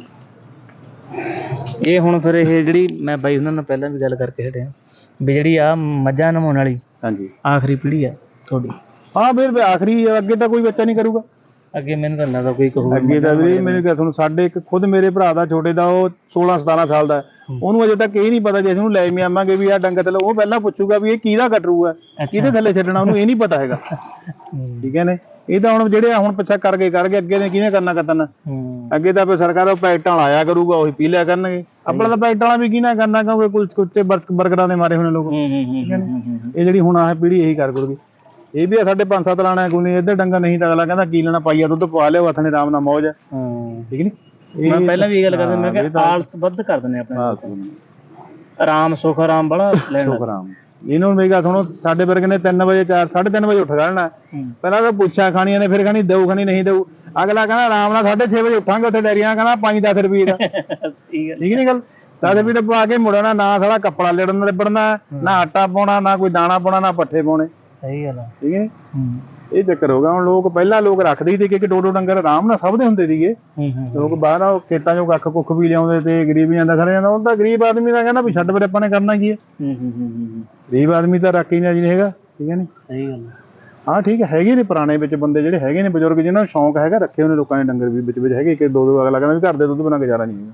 A: ਇਹ ਹੁਣ ਫਿਰ ਇਹ ਜਿਹੜੀ ਮੈਂ ਬਾਈ ਉਹਨਾਂ ਨਾਲ ਪਹਿਲਾਂ ਵੀ ਗੱਲ ਕਰਕੇ ਹਟਿਆ ਵੀ ਜਿਹੜੀ ਆ ਮੱਝਾਂ ਨਮਾਉਣ ਵਾਲੀ
D: ਹਾਂਜੀ
A: ਆਖਰੀ ਪੀੜ੍ਹੀ ਆ ਤੁਹਾਡੀ।
D: ਹਾਂ ਫਿਰ ਆਖਰੀ, ਅੱਗੇ ਤਾਂ ਕੋਈ ਬੱਚਾ ਨਹੀਂ ਕਰੂਗਾ
A: ਅੱਗੇ। ਮੈਨੂੰ ਤਾਂ ਲੱਗਦਾ ਕੋਈ ਕਹੂਗਾ
D: ਅੱਗੇ ਤਾਂ ਵੀ ਮੈਨੂੰ ਕਿਹਾ ਤੁਹਾਨੂੰ, ਸਾਡੇ ਇੱਕ ਖੁਦ ਮੇਰੇ ਭਰਾ ਦਾ ਛੋਟੇ ਦਾ ਉਹ 16-17 ਸਾਲ ਦਾ, ਉਹਨੂੰ ਅਜੇ ਤੱਕ ਇਹ ਨਹੀਂ ਪਤਾ ਜੇ ਅਸੀਂ ਉਹਨੂੰ ਲੈ ਵੀ ਆਵਾਂਗੇ ਵੀ ਆਹ ਡੰਗਰ ਥੱਲੇ, ਉਹ ਪਹਿਲਾਂ ਪੁੱਛੂਗਾ ਵੀ ਇਹ ਕਿਹਦਾ ਕਟਰੂ ਹੈ, ਕਿਹਦੇ ਥੱਲੇ ਛੱਡਣਾ, ਉਹਨੂੰ ਇਹ ਨਹੀਂ ਪਤਾ ਹੈਗਾ। ਠੀਕ ਹੈ ਨੇ, ਇਹ ਤਾਂ ਹੁਣ ਜਿਹੜੇ ਹੁਣ ਪਿੱਛਾ ਕਰ ਗਏ ਅੱਗੇ ਨੇ ਕਿਹਨੇ ਕਰਨਾ ਕਤਨ। ਅੱਗੇ ਤਾਂ ਫਿਰ ਸਰਕਾਰ ਪੈਕਟਾਂ ਵਾਲਾ ਆਇਆ ਕਰੂਗਾ, ਉਹੀ ਪੀ ਲਿਆ ਕਰਨਗੇ। ਆਪਣਾ ਤਾਂ ਪੈਕਟਾਂ ਵਾਲਾ ਵੀ ਕਿਹਨੇ ਕਰਨਾ, ਕਿਉਂਕਿ ਕੁੱਤੇ ਬਰਗਰਾਂ ਦੇ ਮਾਰੇ ਹੋਣੇ ਲੋਕ। ਠੀਕ ਹੈ ਨੇ, ਇਹ ਜਿਹੜੀ ਹੁਣ ਆਹ ਪੀੜ੍ਹੀ ਇਹੀ ਕਰ ਕਰੂਗੀ। ਇਹ ਵੀ ਸਾਡੇ 5-7 ਲਾਣਾ ਕੋਈ ਨਹੀਂ, ਇੱਧਰ ਡੰਗਰ ਨਹੀਂ ਤਾਂ ਅਗਲਾ ਕਹਿੰਦਾ ਕੀ ਲੈਣਾ, ਪਾਈਆ ਦੁੱਧ ਪਵਾ ਲਿਓ ਹੱਥ ਨੇ ਆਰਾਮ ਨਾਲ ਮੌਜ। ਠੀਕ ਨੀ,
A: ਮੈਂ ਪਹਿਲਾਂ ਵੀ ਇਹ ਗੱਲ ਕਰਦਾ, ਮੈਂ ਕਿਹਾ ਆਲਸ ਵੱਧ ਕਰ ਦਿੰਦੇ ਆਪਣੇ, ਆਰਾਮ ਸੁੱਖ ਆਰਾਮ ਬੜਾ ਲੈਣਾ।
D: ਆਰਾਮ ਇਹਨੂੰ ਮੇਰੀ ਗੱਲ ਸੁਣੋ, ਸਾਡੇ ਵਰਗੇ ਨੇ 3 ਵਜੇ 3:30 ਵਜੇ ਉੱਠ ਜਾਣਾ, ਪਹਿਲਾਂ ਤਾਂ ਪੁੱਛਿਆ ਖਾਣੀਆਂ ਨੇ, ਫਿਰ ਖਾਣੀ ਦਊ ਖਾਣੀ ਨਹੀਂ ਦਊ। ਅਗਲਾ ਕਹਿੰਦਾ ਆਰਾਮ ਨਾਲ 6:30 ਵਜੇ ਉੱਠਾਂਗੇ, ਉੱਥੇ ਡੈਰੀਆਂ ਕਹਿੰਦਾ 5-10 ਰੁਪਏ ਦਾ। ਠੀਕ ਨੀ ਗੱਲ, 10 ਰੁਪਏ ਦਾ ਪਾ ਕੇ ਮੁੜਨਾ, ਨਾ ਸਾਡਾ ਕੱਪੜਾ ਲੜਨ ਲਿਬੜਨਾ, ਨਾ ਆਟਾ ਪਾਉਣਾ, ਨਾ ਕੋਈ ਦਾਣਾ ਪਾਉਣਾ, ਨਾ ਪੱਠੇ ਪਾਉਣੇ।
A: ਸਹੀ ਗੱਲ ਆ।
D: ਠੀਕ ਹੈ, ਇਹ ਚੱਕਰ ਹੋ ਗਿਆ। ਹੁਣ ਲੋਕ ਪਹਿਲਾਂ ਲੋਕ ਰੱਖਦੇ ਹੀ ਸੀ ਕਿ 2-2 ਡੰਗਰ ਆਰਾਮ ਨਾਲ ਸਭ ਦੇ ਹੁੰਦੇ ਸੀਗੇ। ਲੋਕ ਬਾਹਰ ਖੇਤਾਂ ਚੋਂ ਕੱਖ ਕੁੱਖ ਵੀ ਲਿਆਉਂਦੇ ਤੇ ਗਰੀਬ ਜਾਂਦਾ ਖੜਾ ਜਾਂਦਾ। ਹੁਣ ਤਾਂ ਗਰੀਬ ਆਦਮੀ ਦਾ ਕਹਿੰਦਾ ਵੀ ਛੱਡ ਫਿਰ ਆਪਾਂ ਨੇ ਕਰਨਾ ਕੀ ਹੈ। ਗਰੀਬ ਆਦਮੀ ਤਾਂ ਰੱਖ ਹੀ ਨਹੀਂ ਹੈਗਾ। ਠੀਕ ਹੈ ਨੀ, ਸਹੀ ਗੱਲ। ਹਾਂ ਠੀਕ ਹੈ, ਹੈਗੇ ਨੇ ਪੁਰਾਣੇ ਵਿੱਚ ਬੰਦੇ ਜਿਹੜੇ ਹੈਗੇ ਨੇ ਬਜ਼ੁਰਗ, ਜਿਹਨਾਂ ਨੂੰ ਸ਼ੌਂਕ ਹੈਗਾ, ਰੱਖੇ ਉਹਨੇ ਲੋਕਾਂ ਨੇ ਡੰਗਰ ਵੀ ਵਿੱਚ ਹੈਗੇ ਕਿ 2-2 ਅਗਲਾ ਕਹਿੰਦਾ ਵੀ ਘਰ ਦੇ ਦੁੱਧ ਬਿਨਾਂ ਗੁਜ਼ਾਰਾ ਨਹੀਂ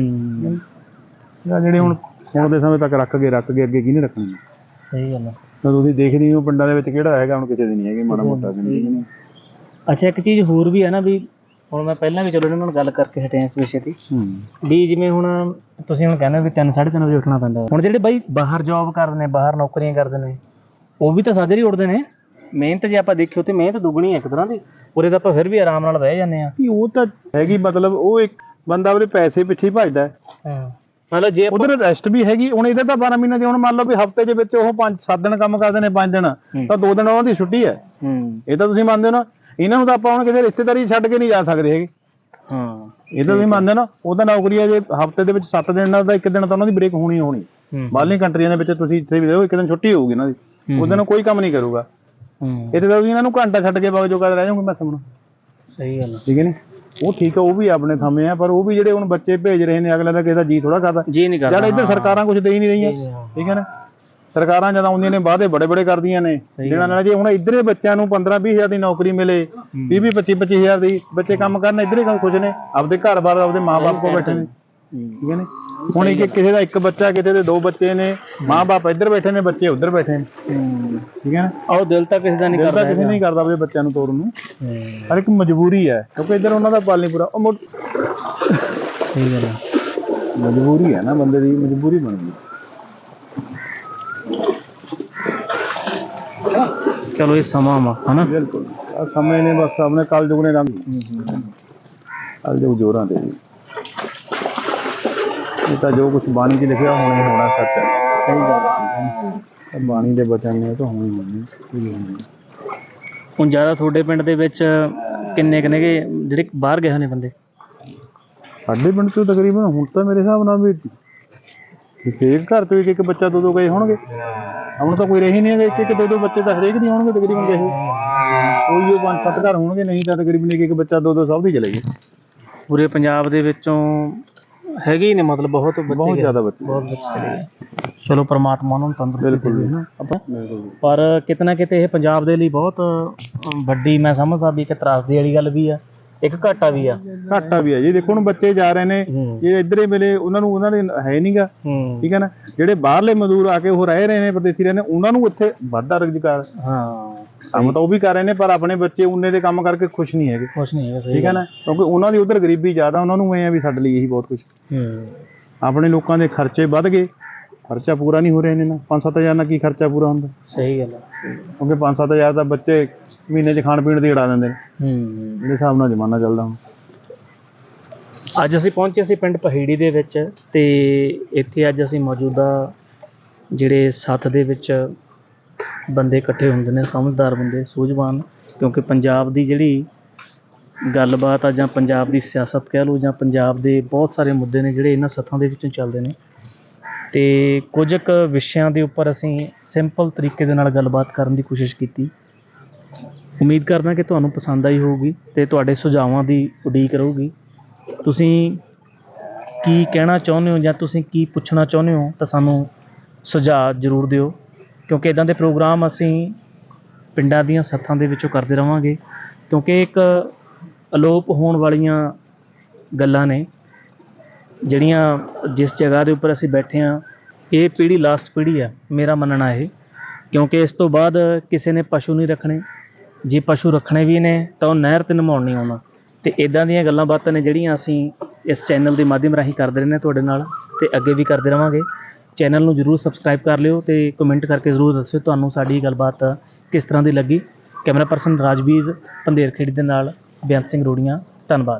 D: ਹੈਗਾ। ਜਿਹੜੇ ਹੁਣ ਦੇ ਸਮੇਂ ਤੱਕ ਰੱਖ ਗਏ ਅੱਗੇ ਕਿਹਨੇ ਰੱਖਣੀ। ਸਹੀ ਗੱਲ ਹੈ। ਤੁਸੀਂ ਦੇਖਦੇ ਹੋ ਪਿੰਡਾਂ ਦੇ ਵਿੱਚ ਕਿਹੜਾ ਹੈਗਾ, ਹੁਣ ਕਿਸੇ ਦੀ ਨਹੀਂ ਹੈਗੀ ਮਾੜਾ ਮੋਟਾ। ਅੱਛਾ ਇੱਕ ਚੀਜ਼ ਹੋਰ ਵੀ ਹੈ ਨਾ, ਵੀ ਹੁਣ ਮੈਂ ਪਹਿਲਾਂ ਵੀ ਚਲੋ ਇਹਨਾਂ ਨਾਲ ਗੱਲ ਕਰਕੇ ਹਟਿਆ ਇਸ ਵਿਸ਼ੇ ਤੇ, ਵੀ ਜਿਵੇਂ ਹੁਣ ਤੁਸੀਂ ਹੁਣ ਕਹਿੰਦੇ ਵੀ 3-3:30 ਵਜੇ ਉੱਠਣਾ ਪੈਂਦਾ। ਹੁਣ ਜਿਹੜੇ ਬਾਈ ਬਾਹਰ ਜੋਬ ਕਰਦੇ ਨੇ, ਬਾਹਰ ਨੌਕਰੀਆਂ ਕਰਦੇ ਨੇ, ਉਹ ਵੀ ਤਾਂ ਸਾਜਰੇ ਹੀ ਉੱਠਦੇ ਨੇ। ਮਿਹਨਤ ਜੇ ਆਪਾਂ ਦੇਖਿਓ ਤੇ ਮਿਹਨਤ ਦੁੱਗਣੀ ਹੈ ਇੱਕ ਤਰ੍ਹਾਂ ਦੀ। ਉਰੇ ਤਾਂ ਆਪਾਂ ਫਿਰ ਵੀ ਆਰਾਮ ਨਾਲ ਬਹਿ ਜਾਂਦੇ ਹਾਂ। ਉਹ ਤਾਂ ਹੈਗੀ, ਮਤਲਬ ਉਹ ਇੱਕ ਬੰਦਾ ਉਹਦੇ ਪੈਸੇ ਪਿੱਛੇ ਭੱਜਦਾ। ਮਤਲਬ ਜੇ ਉਧਰ ਰੈਸਟ ਵੀ ਹੈਗੀ। ਹੁਣ ਇਹਦਾ ਤਾਂ 12 ਮਹੀਨੇ ਦੀ, ਹੁਣ ਮੰਨ ਲਓ ਵੀ ਹਫ਼ਤੇ ਦੇ ਵਿੱਚ ਉਹ 5-7 ਦਿਨ ਕੰਮ ਕਰਦੇ ਨੇ, 5 ਦਿਨ ਤਾਂ 2 ਦਿਨ ਉਹਨਾਂ ਦੀ ਛੁੱਟੀ ਹੈ। ਇਹ ਤਾਂ ਤੁਸੀਂ ਮੰਨਦੇ ਹੋ ਨਾ। ਇਹਨਾਂ ਨੂੰ ਤਾਂ ਆਪਾਂ ਹੁਣ ਕਿਸੇ ਰਿਸ਼ਤੇਦਾਰੀ ਛੱਡ ਕੇ ਨਹੀਂ ਜਾ ਸਕਦੇ ਹੈਗੇ। ਇਹ ਤਾਂ ਤੁਸੀਂ ਮੰਨਦੇ ਨਾ। ਉਹ ਤਾਂ ਨੌਕਰੀ ਹੈ, ਜੇ ਹਫ਼ਤੇ ਦੇ ਵਿੱਚ 7 ਦਿਨ ਦਾ 1 ਦਿਨ ਤਾਂ ਉਹਨਾਂ ਦੀ ਬ੍ਰੇਕ ਹੋਣੀ। ਬਾਹਰਲੀ ਕੰਟਰੀਆਂ ਦੇ ਵਿੱਚ ਤੁਸੀਂ ਇੱਥੇ ਵੀ ਦੇਖੋ ਇੱਕ ਦਿਨ ਛੁੱਟੀ ਹੋਊਗੀ ਇਹਨਾਂ ਦੀ, ਉਸ ਦਿਨ ਕੋਈ ਕੰਮ ਨਹੀਂ ਕਰੂਗਾ। ਇੱਥੇ ਤਾਂ ਇਹਨਾਂ ਨੂੰ ਘੰਟਾ ਛੱਡ ਕੇ ਵਗ ਜੋ ਕਦ ਰਹਿ ਜਾਓਗੇ ਮੈਂ ਸਮਝਣਾ।
A: ਸਹੀ ਗੱਲ
D: ਠੀਕ ਹੈ ਨੀ, ਉਹ ਠੀਕ ਆ, ਉਹ ਵੀ ਆਪਣੇ ਥੰਮੇ ਆ, ਪਰ ਉਹ ਵੀ ਜਿਹੜੇ ਹੁਣ ਬੱਚੇ ਭੇਜ ਰਹੇ ਨੇ ਅਗਲੇ ਦਾ ਕਿਸੇ ਦਾ ਜੀ ਥੋੜਾ ਕਰਦਾ,
A: ਜੀ ਨਹੀਂ ਕਰਦਾ।
D: ਜਿਹੜਾ ਇੱਧਰ ਸਰਕਾਰਾਂ ਕੁਝ ਦੇ ਹੀ ਨਹੀਂ ਰਹੀਆਂ। ਠੀਕ ਹੈ ਨਾ, ਸਰਕਾਰਾਂ ਜਦ ਆਉਂਦੀਆਂ ਨੇ ਵਾਅਦੇ ਬੜੇ ਬੜੇ ਕਰਦੀਆਂ ਨੇ ਦੇਣਾ ਨਾਲ। ਜੇ ਹੁਣ ਇੱਧਰੇ ਬੱਚਿਆਂ ਨੂੰ 15-20 ਹਜ਼ਾਰ ਦੀ ਨੌਕਰੀ ਮਿਲੇ, 20-25 ਹਜ਼ਾਰ ਦੀ ਬੱਚੇ ਕੰਮ ਕਰਨ, ਇੱਧਰੇ ਕੰਮ ਕੁਝ ਨੇ, ਆਪਦੇ ਘਰ ਬਾਰ ਆਪਦੇ ਮਾਂ-ਬਾਪ ਕੋਲ ਬੈਠੇ ਨੇ। ਠੀਕ ਹੈ ਨੀ, ਹੁਣ ਕਿਸੇ ਦਾ ਇੱਕ ਬੱਚਾ, ਕਿਸੇ ਦੇ 2 ਬੱਚੇ ਨੇ, ਮਾਂ-ਬਾਪ ਇੱਧਰ ਬੈਠੇ ਨੇ, ਬੱਚੇ ਉੱਧਰ ਬੈਠੇ ਨੇ। ਠੀਕ ਹੈ ਨਾ,
A: ਉਹ ਦਿਲ ਤਾਂ ਕਿਸੇ ਦਾ ਨਹੀਂ ਕਰਦਾ,
D: ਕਿਸੇ ਨਹੀਂ ਕਰਦਾ ਆਪਣੇ ਬੱਚਿਆਂ ਨੂੰ ਤੋਰਨ ਨੂੰ। ਹਰ ਇੱਕ ਮਜਬੂਰੀ ਹੈ, ਕਿਉਂਕਿ ਇੱਧਰ ਉਹਨਾਂ ਦਾ ਪਾਲ ਨਹੀਂ ਪੂਰਾ। ਉਹ
A: ਸਹੀ ਗੱਲ ਹੈ,
D: ਮਜਬੂਰੀ ਹੈ ਨਾ, ਬੰਦੇ ਦੀ ਮਜਬੂਰੀ ਬਣ ਗਈ।
A: ਚਲੋ ਇਹ ਸਮਾਂ ਵਾ ਹਨਾ।
D: ਬਿਲਕੁਲ, ਆ ਸਮੇਂ ਨੇ ਬਸ ਆਪਣੇ ਕਲਯੁਗ ਨੇ ਰੰਗ, ਕਲਯੁਗ ਜੋਰਾਂ ਦੇ। ਇਹ ਤਾਂ ਜੋ ਕੁਛ ਬਾਣੀ 'ਚ ਲਿਖਿਆ ਹੋਣਾ ਹੀ ਹੋਣਾ, ਸੱਚ ਹੈ।
A: ਸਹੀ ਗੱਲ ਹੈ,
D: ਬਾਣੀ ਦੇ ਬਚਨ ਨੇ ਤਾਂ ਹੋਣੀ ਹੋਣੀ।
A: ਹੁਣ ਜ਼ਿਆਦਾ ਤੁਹਾਡੇ ਪਿੰਡ ਦੇ ਵਿੱਚ ਕਿੰਨੇ ਜਿਹੜੇ ਬਾਹਰ ਗਏ ਨੇ ਬੰਦੇ?
D: ਸਾਡੇ ਪਿੰਡ ਤੋਂ ਤਕਰੀਬਨ ਹੁਣ ਤਾਂ ਮੇਰੇ ਹਿਸਾਬ ਨਾਲ ਵੀ ਹਰੇਕ ਘਰ ਤੋਂ ਇੱਕ ਬੱਚਾ 2-2 ਗਏ ਹੋਣਗੇ। ਹੁਣ ਤਾਂ ਕੋਈ ਰਹੀ ਨਹੀਂ ਹੈਗਾ, ਇੱਕ 2-2 ਬੱਚੇ ਤਾਂ ਹਰੇਕ ਦੀ ਹੋਣਗੇ ਤਕਰੀਬਨ ਗਏ। ਕੋਈ ਉਹ 5-7 ਘਰ ਹੋਣਗੇ, ਨਹੀਂ ਤਾਂ ਤਕਰੀਬਨ ਇੱਕ ਬੱਚਾ 2-2 ਸਭ ਦੀ ਚਲੇ ਗਏ।
A: ਪੂਰੇ ਪੰਜਾਬ ਦੇ ਵਿੱਚੋਂ ਹੈਗੇ ਹੀ ਨੇ, ਮਤਲਬ ਬਹੁਤ
D: ਜ਼ਿਆਦਾ ਬੱਚੇ
A: ਚਲੇ ਗਏ। ਚਲੋ ਪ੍ਰਮਾਤਮਾ ਉਹਨਾਂ ਨੂੰ ਤੰਦਰੁਸਤੀ
D: ਬਿਲਕੁਲ।
A: ਪਰ ਕਿਤੇ ਨਾ ਕਿਤੇ ਇਹ ਪੰਜਾਬ ਦੇ ਲਈ ਬਹੁਤ ਵੱਡੀ, ਮੈਂ ਸਮਝਦਾ ਵੀ ਇੱਕ ਤਰਾਸਦੀ ਵਾਲੀ ਗੱਲ ਵੀ ਆ, ਇੱਕ ਘਾਟਾ ਵੀ ਆ।
D: ਘਾਟਾ ਵੀ ਹੈ ਜੀ, ਦੇਖੋ ਹੁਣ ਬੱਚੇ ਜਾ ਰਹੇ ਨੇ, ਜੇ ਇੱਧਰੇ ਵੇਲੇ ਉਹਨਾਂ ਦੇ ਹੈ ਨਹੀਂਗਾ। ਠੀਕ ਹੈ ਨਾ, ਜਿਹੜੇ ਬਾਹਰਲੇ ਮਜ਼ਦੂਰ ਆ ਕੇ ਉਹ ਰਹਿ ਰਹੇ ਨੇ, ਪ੍ਰਦੇਸੀ ਰਹੇ ਨੇ, ਉਹਨਾਂ ਨੂੰ ਇੱਥੇ ਵਾਧਾ ਰੁਜ਼ਗਾਰ, ਕੰਮ ਤਾਂ ਉਹ ਵੀ ਕਰ ਰਹੇ ਨੇ, ਪਰ ਆਪਣੇ ਬੱਚੇ ਉਨੇ ਦੇ ਕੰਮ ਕਰਕੇ ਖੁਸ਼ ਨਹੀਂ ਹੈਗੇ। ਠੀਕ ਹੈ ਨਾ, ਕਿਉਂਕਿ ਉਹਨਾਂ ਦੀ ਉੱਧਰ ਗਰੀਬੀ ਜ਼ਿਆਦਾ, ਉਹਨਾਂ ਨੂੰ ਇਹ ਆ ਵੀ ਸਾਡੇ ਲਈ ਇਹੀ ਬਹੁਤ ਕੁਛ। ਆਪਣੇ ਲੋਕਾਂ ਦੇ ਖਰਚੇ ਵੱਧ ਗਏ, ਖਰਚਾ ਪੂਰਾ ਨਹੀਂ ਹੋ ਰਿਹਾ ਇਹਨਾਂ ਨਾਲ। 5-7 ਹਜ਼ਾਰ ਨਾਲ ਕੀ ਖਰਚਾ ਪੂਰਾ ਹੁੰਦਾ?
A: ਸਹੀ ਗੱਲ ਹੈ,
D: ਕਿਉਂਕਿ 5-7 ਹਜ਼ਾਰ ਤਾਂ ਬੱਚੇ ਮਹੀਨੇ 'ਚ ਖਾਣ ਪੀਣ ਦੀ ਉਡਾ ਦਿੰਦੇ ਨੇ, ਜਿਹੜੇ ਹਿਸਾਬ ਨਾਲ ਜ਼ਮਾਨਾ ਚੱਲਦਾ ਹੁਣ।
A: ਅੱਜ ਅਸੀਂ ਪਹੁੰਚੇ ਸੀ ਪਿੰਡ ਪਹੇੜੀ ਦੇ ਵਿੱਚ, ਤੇ ਇੱਥੇ ਅੱਜ ਅਸੀਂ ਮੌਜੂਦਾ ਜਿਹੜੇ ਸੱਥ ਦੇ ਵਿੱਚ ਬੰਦੇ ਇਕੱਠੇ ਹੁੰਦੇ ਨੇ, ਸਮਝਦਾਰ ਬੰਦੇ, ਸੂਝਵਾਨ, ਕਿਉਂਕਿ ਪੰਜਾਬ ਦੀ ਜਿਹੜੀ ਗੱਲਬਾਤ ਆ, ਜਾਂ ਪੰਜਾਬ ਦੀ ਸਿਆਸਤ ਕਹਿ ਲਓ, ਜਾਂ ਪੰਜਾਬ ਦੇ ਬਹੁਤ ਸਾਰੇ ਮੁੱਦੇ ਨੇ ਜਿਹੜੇ ਇਹਨਾਂ ਸੱਥਾਂ ਦੇ ਵਿੱਚੋਂ ਚੱਲਦੇ ਨੇ। ਅਤੇ ਕੁਝ ਕੁ ਵਿਸ਼ਿਆਂ ਦੇ ਉੱਪਰ ਅਸੀਂ ਸਿੰਪਲ ਤਰੀਕੇ ਦੇ ਨਾਲ ਗੱਲਬਾਤ ਕਰਨ ਦੀ ਕੋਸ਼ਿਸ਼ ਕੀਤੀ। ਉਮੀਦ ਕਰਦਾ ਕਿ ਤੁਹਾਨੂੰ ਪਸੰਦ ਆਈ ਹੋਊਗੀ ਅਤੇ ਤੁਹਾਡੇ ਸੁਝਾਵਾਂ ਦੀ ਉਡੀਕ ਰਹੂਗੀ। ਤੁਸੀਂ ਕੀ ਕਹਿਣਾ ਚਾਹੁੰਦੇ ਹੋ, ਜਾਂ ਤੁਸੀਂ ਕੀ ਪੁੱਛਣਾ ਚਾਹੁੰਦੇ ਹੋ, ਤਾਂ ਸਾਨੂੰ ਸੁਝਾਅ ਜ਼ਰੂਰ ਦਿਓ, ਕਿਉਂਕਿ ਇੱਦਾਂ ਦੇ ਪ੍ਰੋਗਰਾਮ ਅਸੀਂ ਪਿੰਡਾਂ ਦੀਆਂ ਸੱਥਾਂ ਦੇ ਵਿੱਚੋਂ ਕਰਦੇ ਰਹਾਂਗੇ, ਕਿਉਂਕਿ ਇੱਕ ਅਲੋਪ ਹੋਣ ਵਾਲੀਆਂ ਗੱਲਾਂ ਨੇ ਜਿਹੜੀਆਂ, ਜਿਸ ਜਗ੍ਹਾ ਦੇ ਉੱਪਰ ਅਸੀਂ ਬੈਠੇ ਹਾਂ, ਇਹ ਪੀੜ੍ਹੀ ਲਾਸਟ ਪੀੜ੍ਹੀ ਆ, ਮੇਰਾ ਮੰਨਣਾ ਇਹ। ਕਿਉਂਕਿ ਇਸ ਤੋਂ ਬਾਅਦ ਕਿਸੇ ਨੇ ਪਸ਼ੂ ਨਹੀਂ ਰੱਖਣੇ, ਜੇ ਪਸ਼ੂ ਰੱਖਣੇ ਵੀ ਨੇ ਤਾਂ ਉਹ ਨਹਿਰ 'ਤੇ ਨਮਾਉਣ ਨਹੀਂ ਆਉਣਾ। ਅਤੇ ਇੱਦਾਂ ਦੀਆਂ ਗੱਲਾਂ ਬਾਤਾਂ ਨੇ ਜਿਹੜੀਆਂ ਅਸੀਂ ਇਸ ਚੈਨਲ ਦੇ ਮਾਧਿਅਮ ਰਾਹੀਂ ਕਰਦੇ ਰਹਿੰਦੇ ਹਾਂ ਤੁਹਾਡੇ ਨਾਲ, ਅਤੇ ਅੱਗੇ ਵੀ ਕਰਦੇ ਰਹਾਂਗੇ। ਚੈਨਲ ਨੂੰ ਜ਼ਰੂਰ ਸਬਸਕ੍ਰਾਈਬ ਕਰ ਲਿਓ, ਅਤੇ ਕਮੈਂਟ ਕਰਕੇ ਜ਼ਰੂਰ ਦੱਸਿਓ ਤੁਹਾਨੂੰ ਸਾਡੀ ਗੱਲਬਾਤ ਕਿਸ ਤਰ੍ਹਾਂ ਦੀ ਲੱਗੀ। ਕੈਮਰਾ ਪਰਸਨ ਰਾਜਵੀਰ ਪੰਧੇਰ ਖੇੜੀ ਦੇ ਨਾਲ ਬੇਅੰਤ ਸਿੰਘ ਰੋੜੀਆਂ, ਧੰਨਵਾਦ।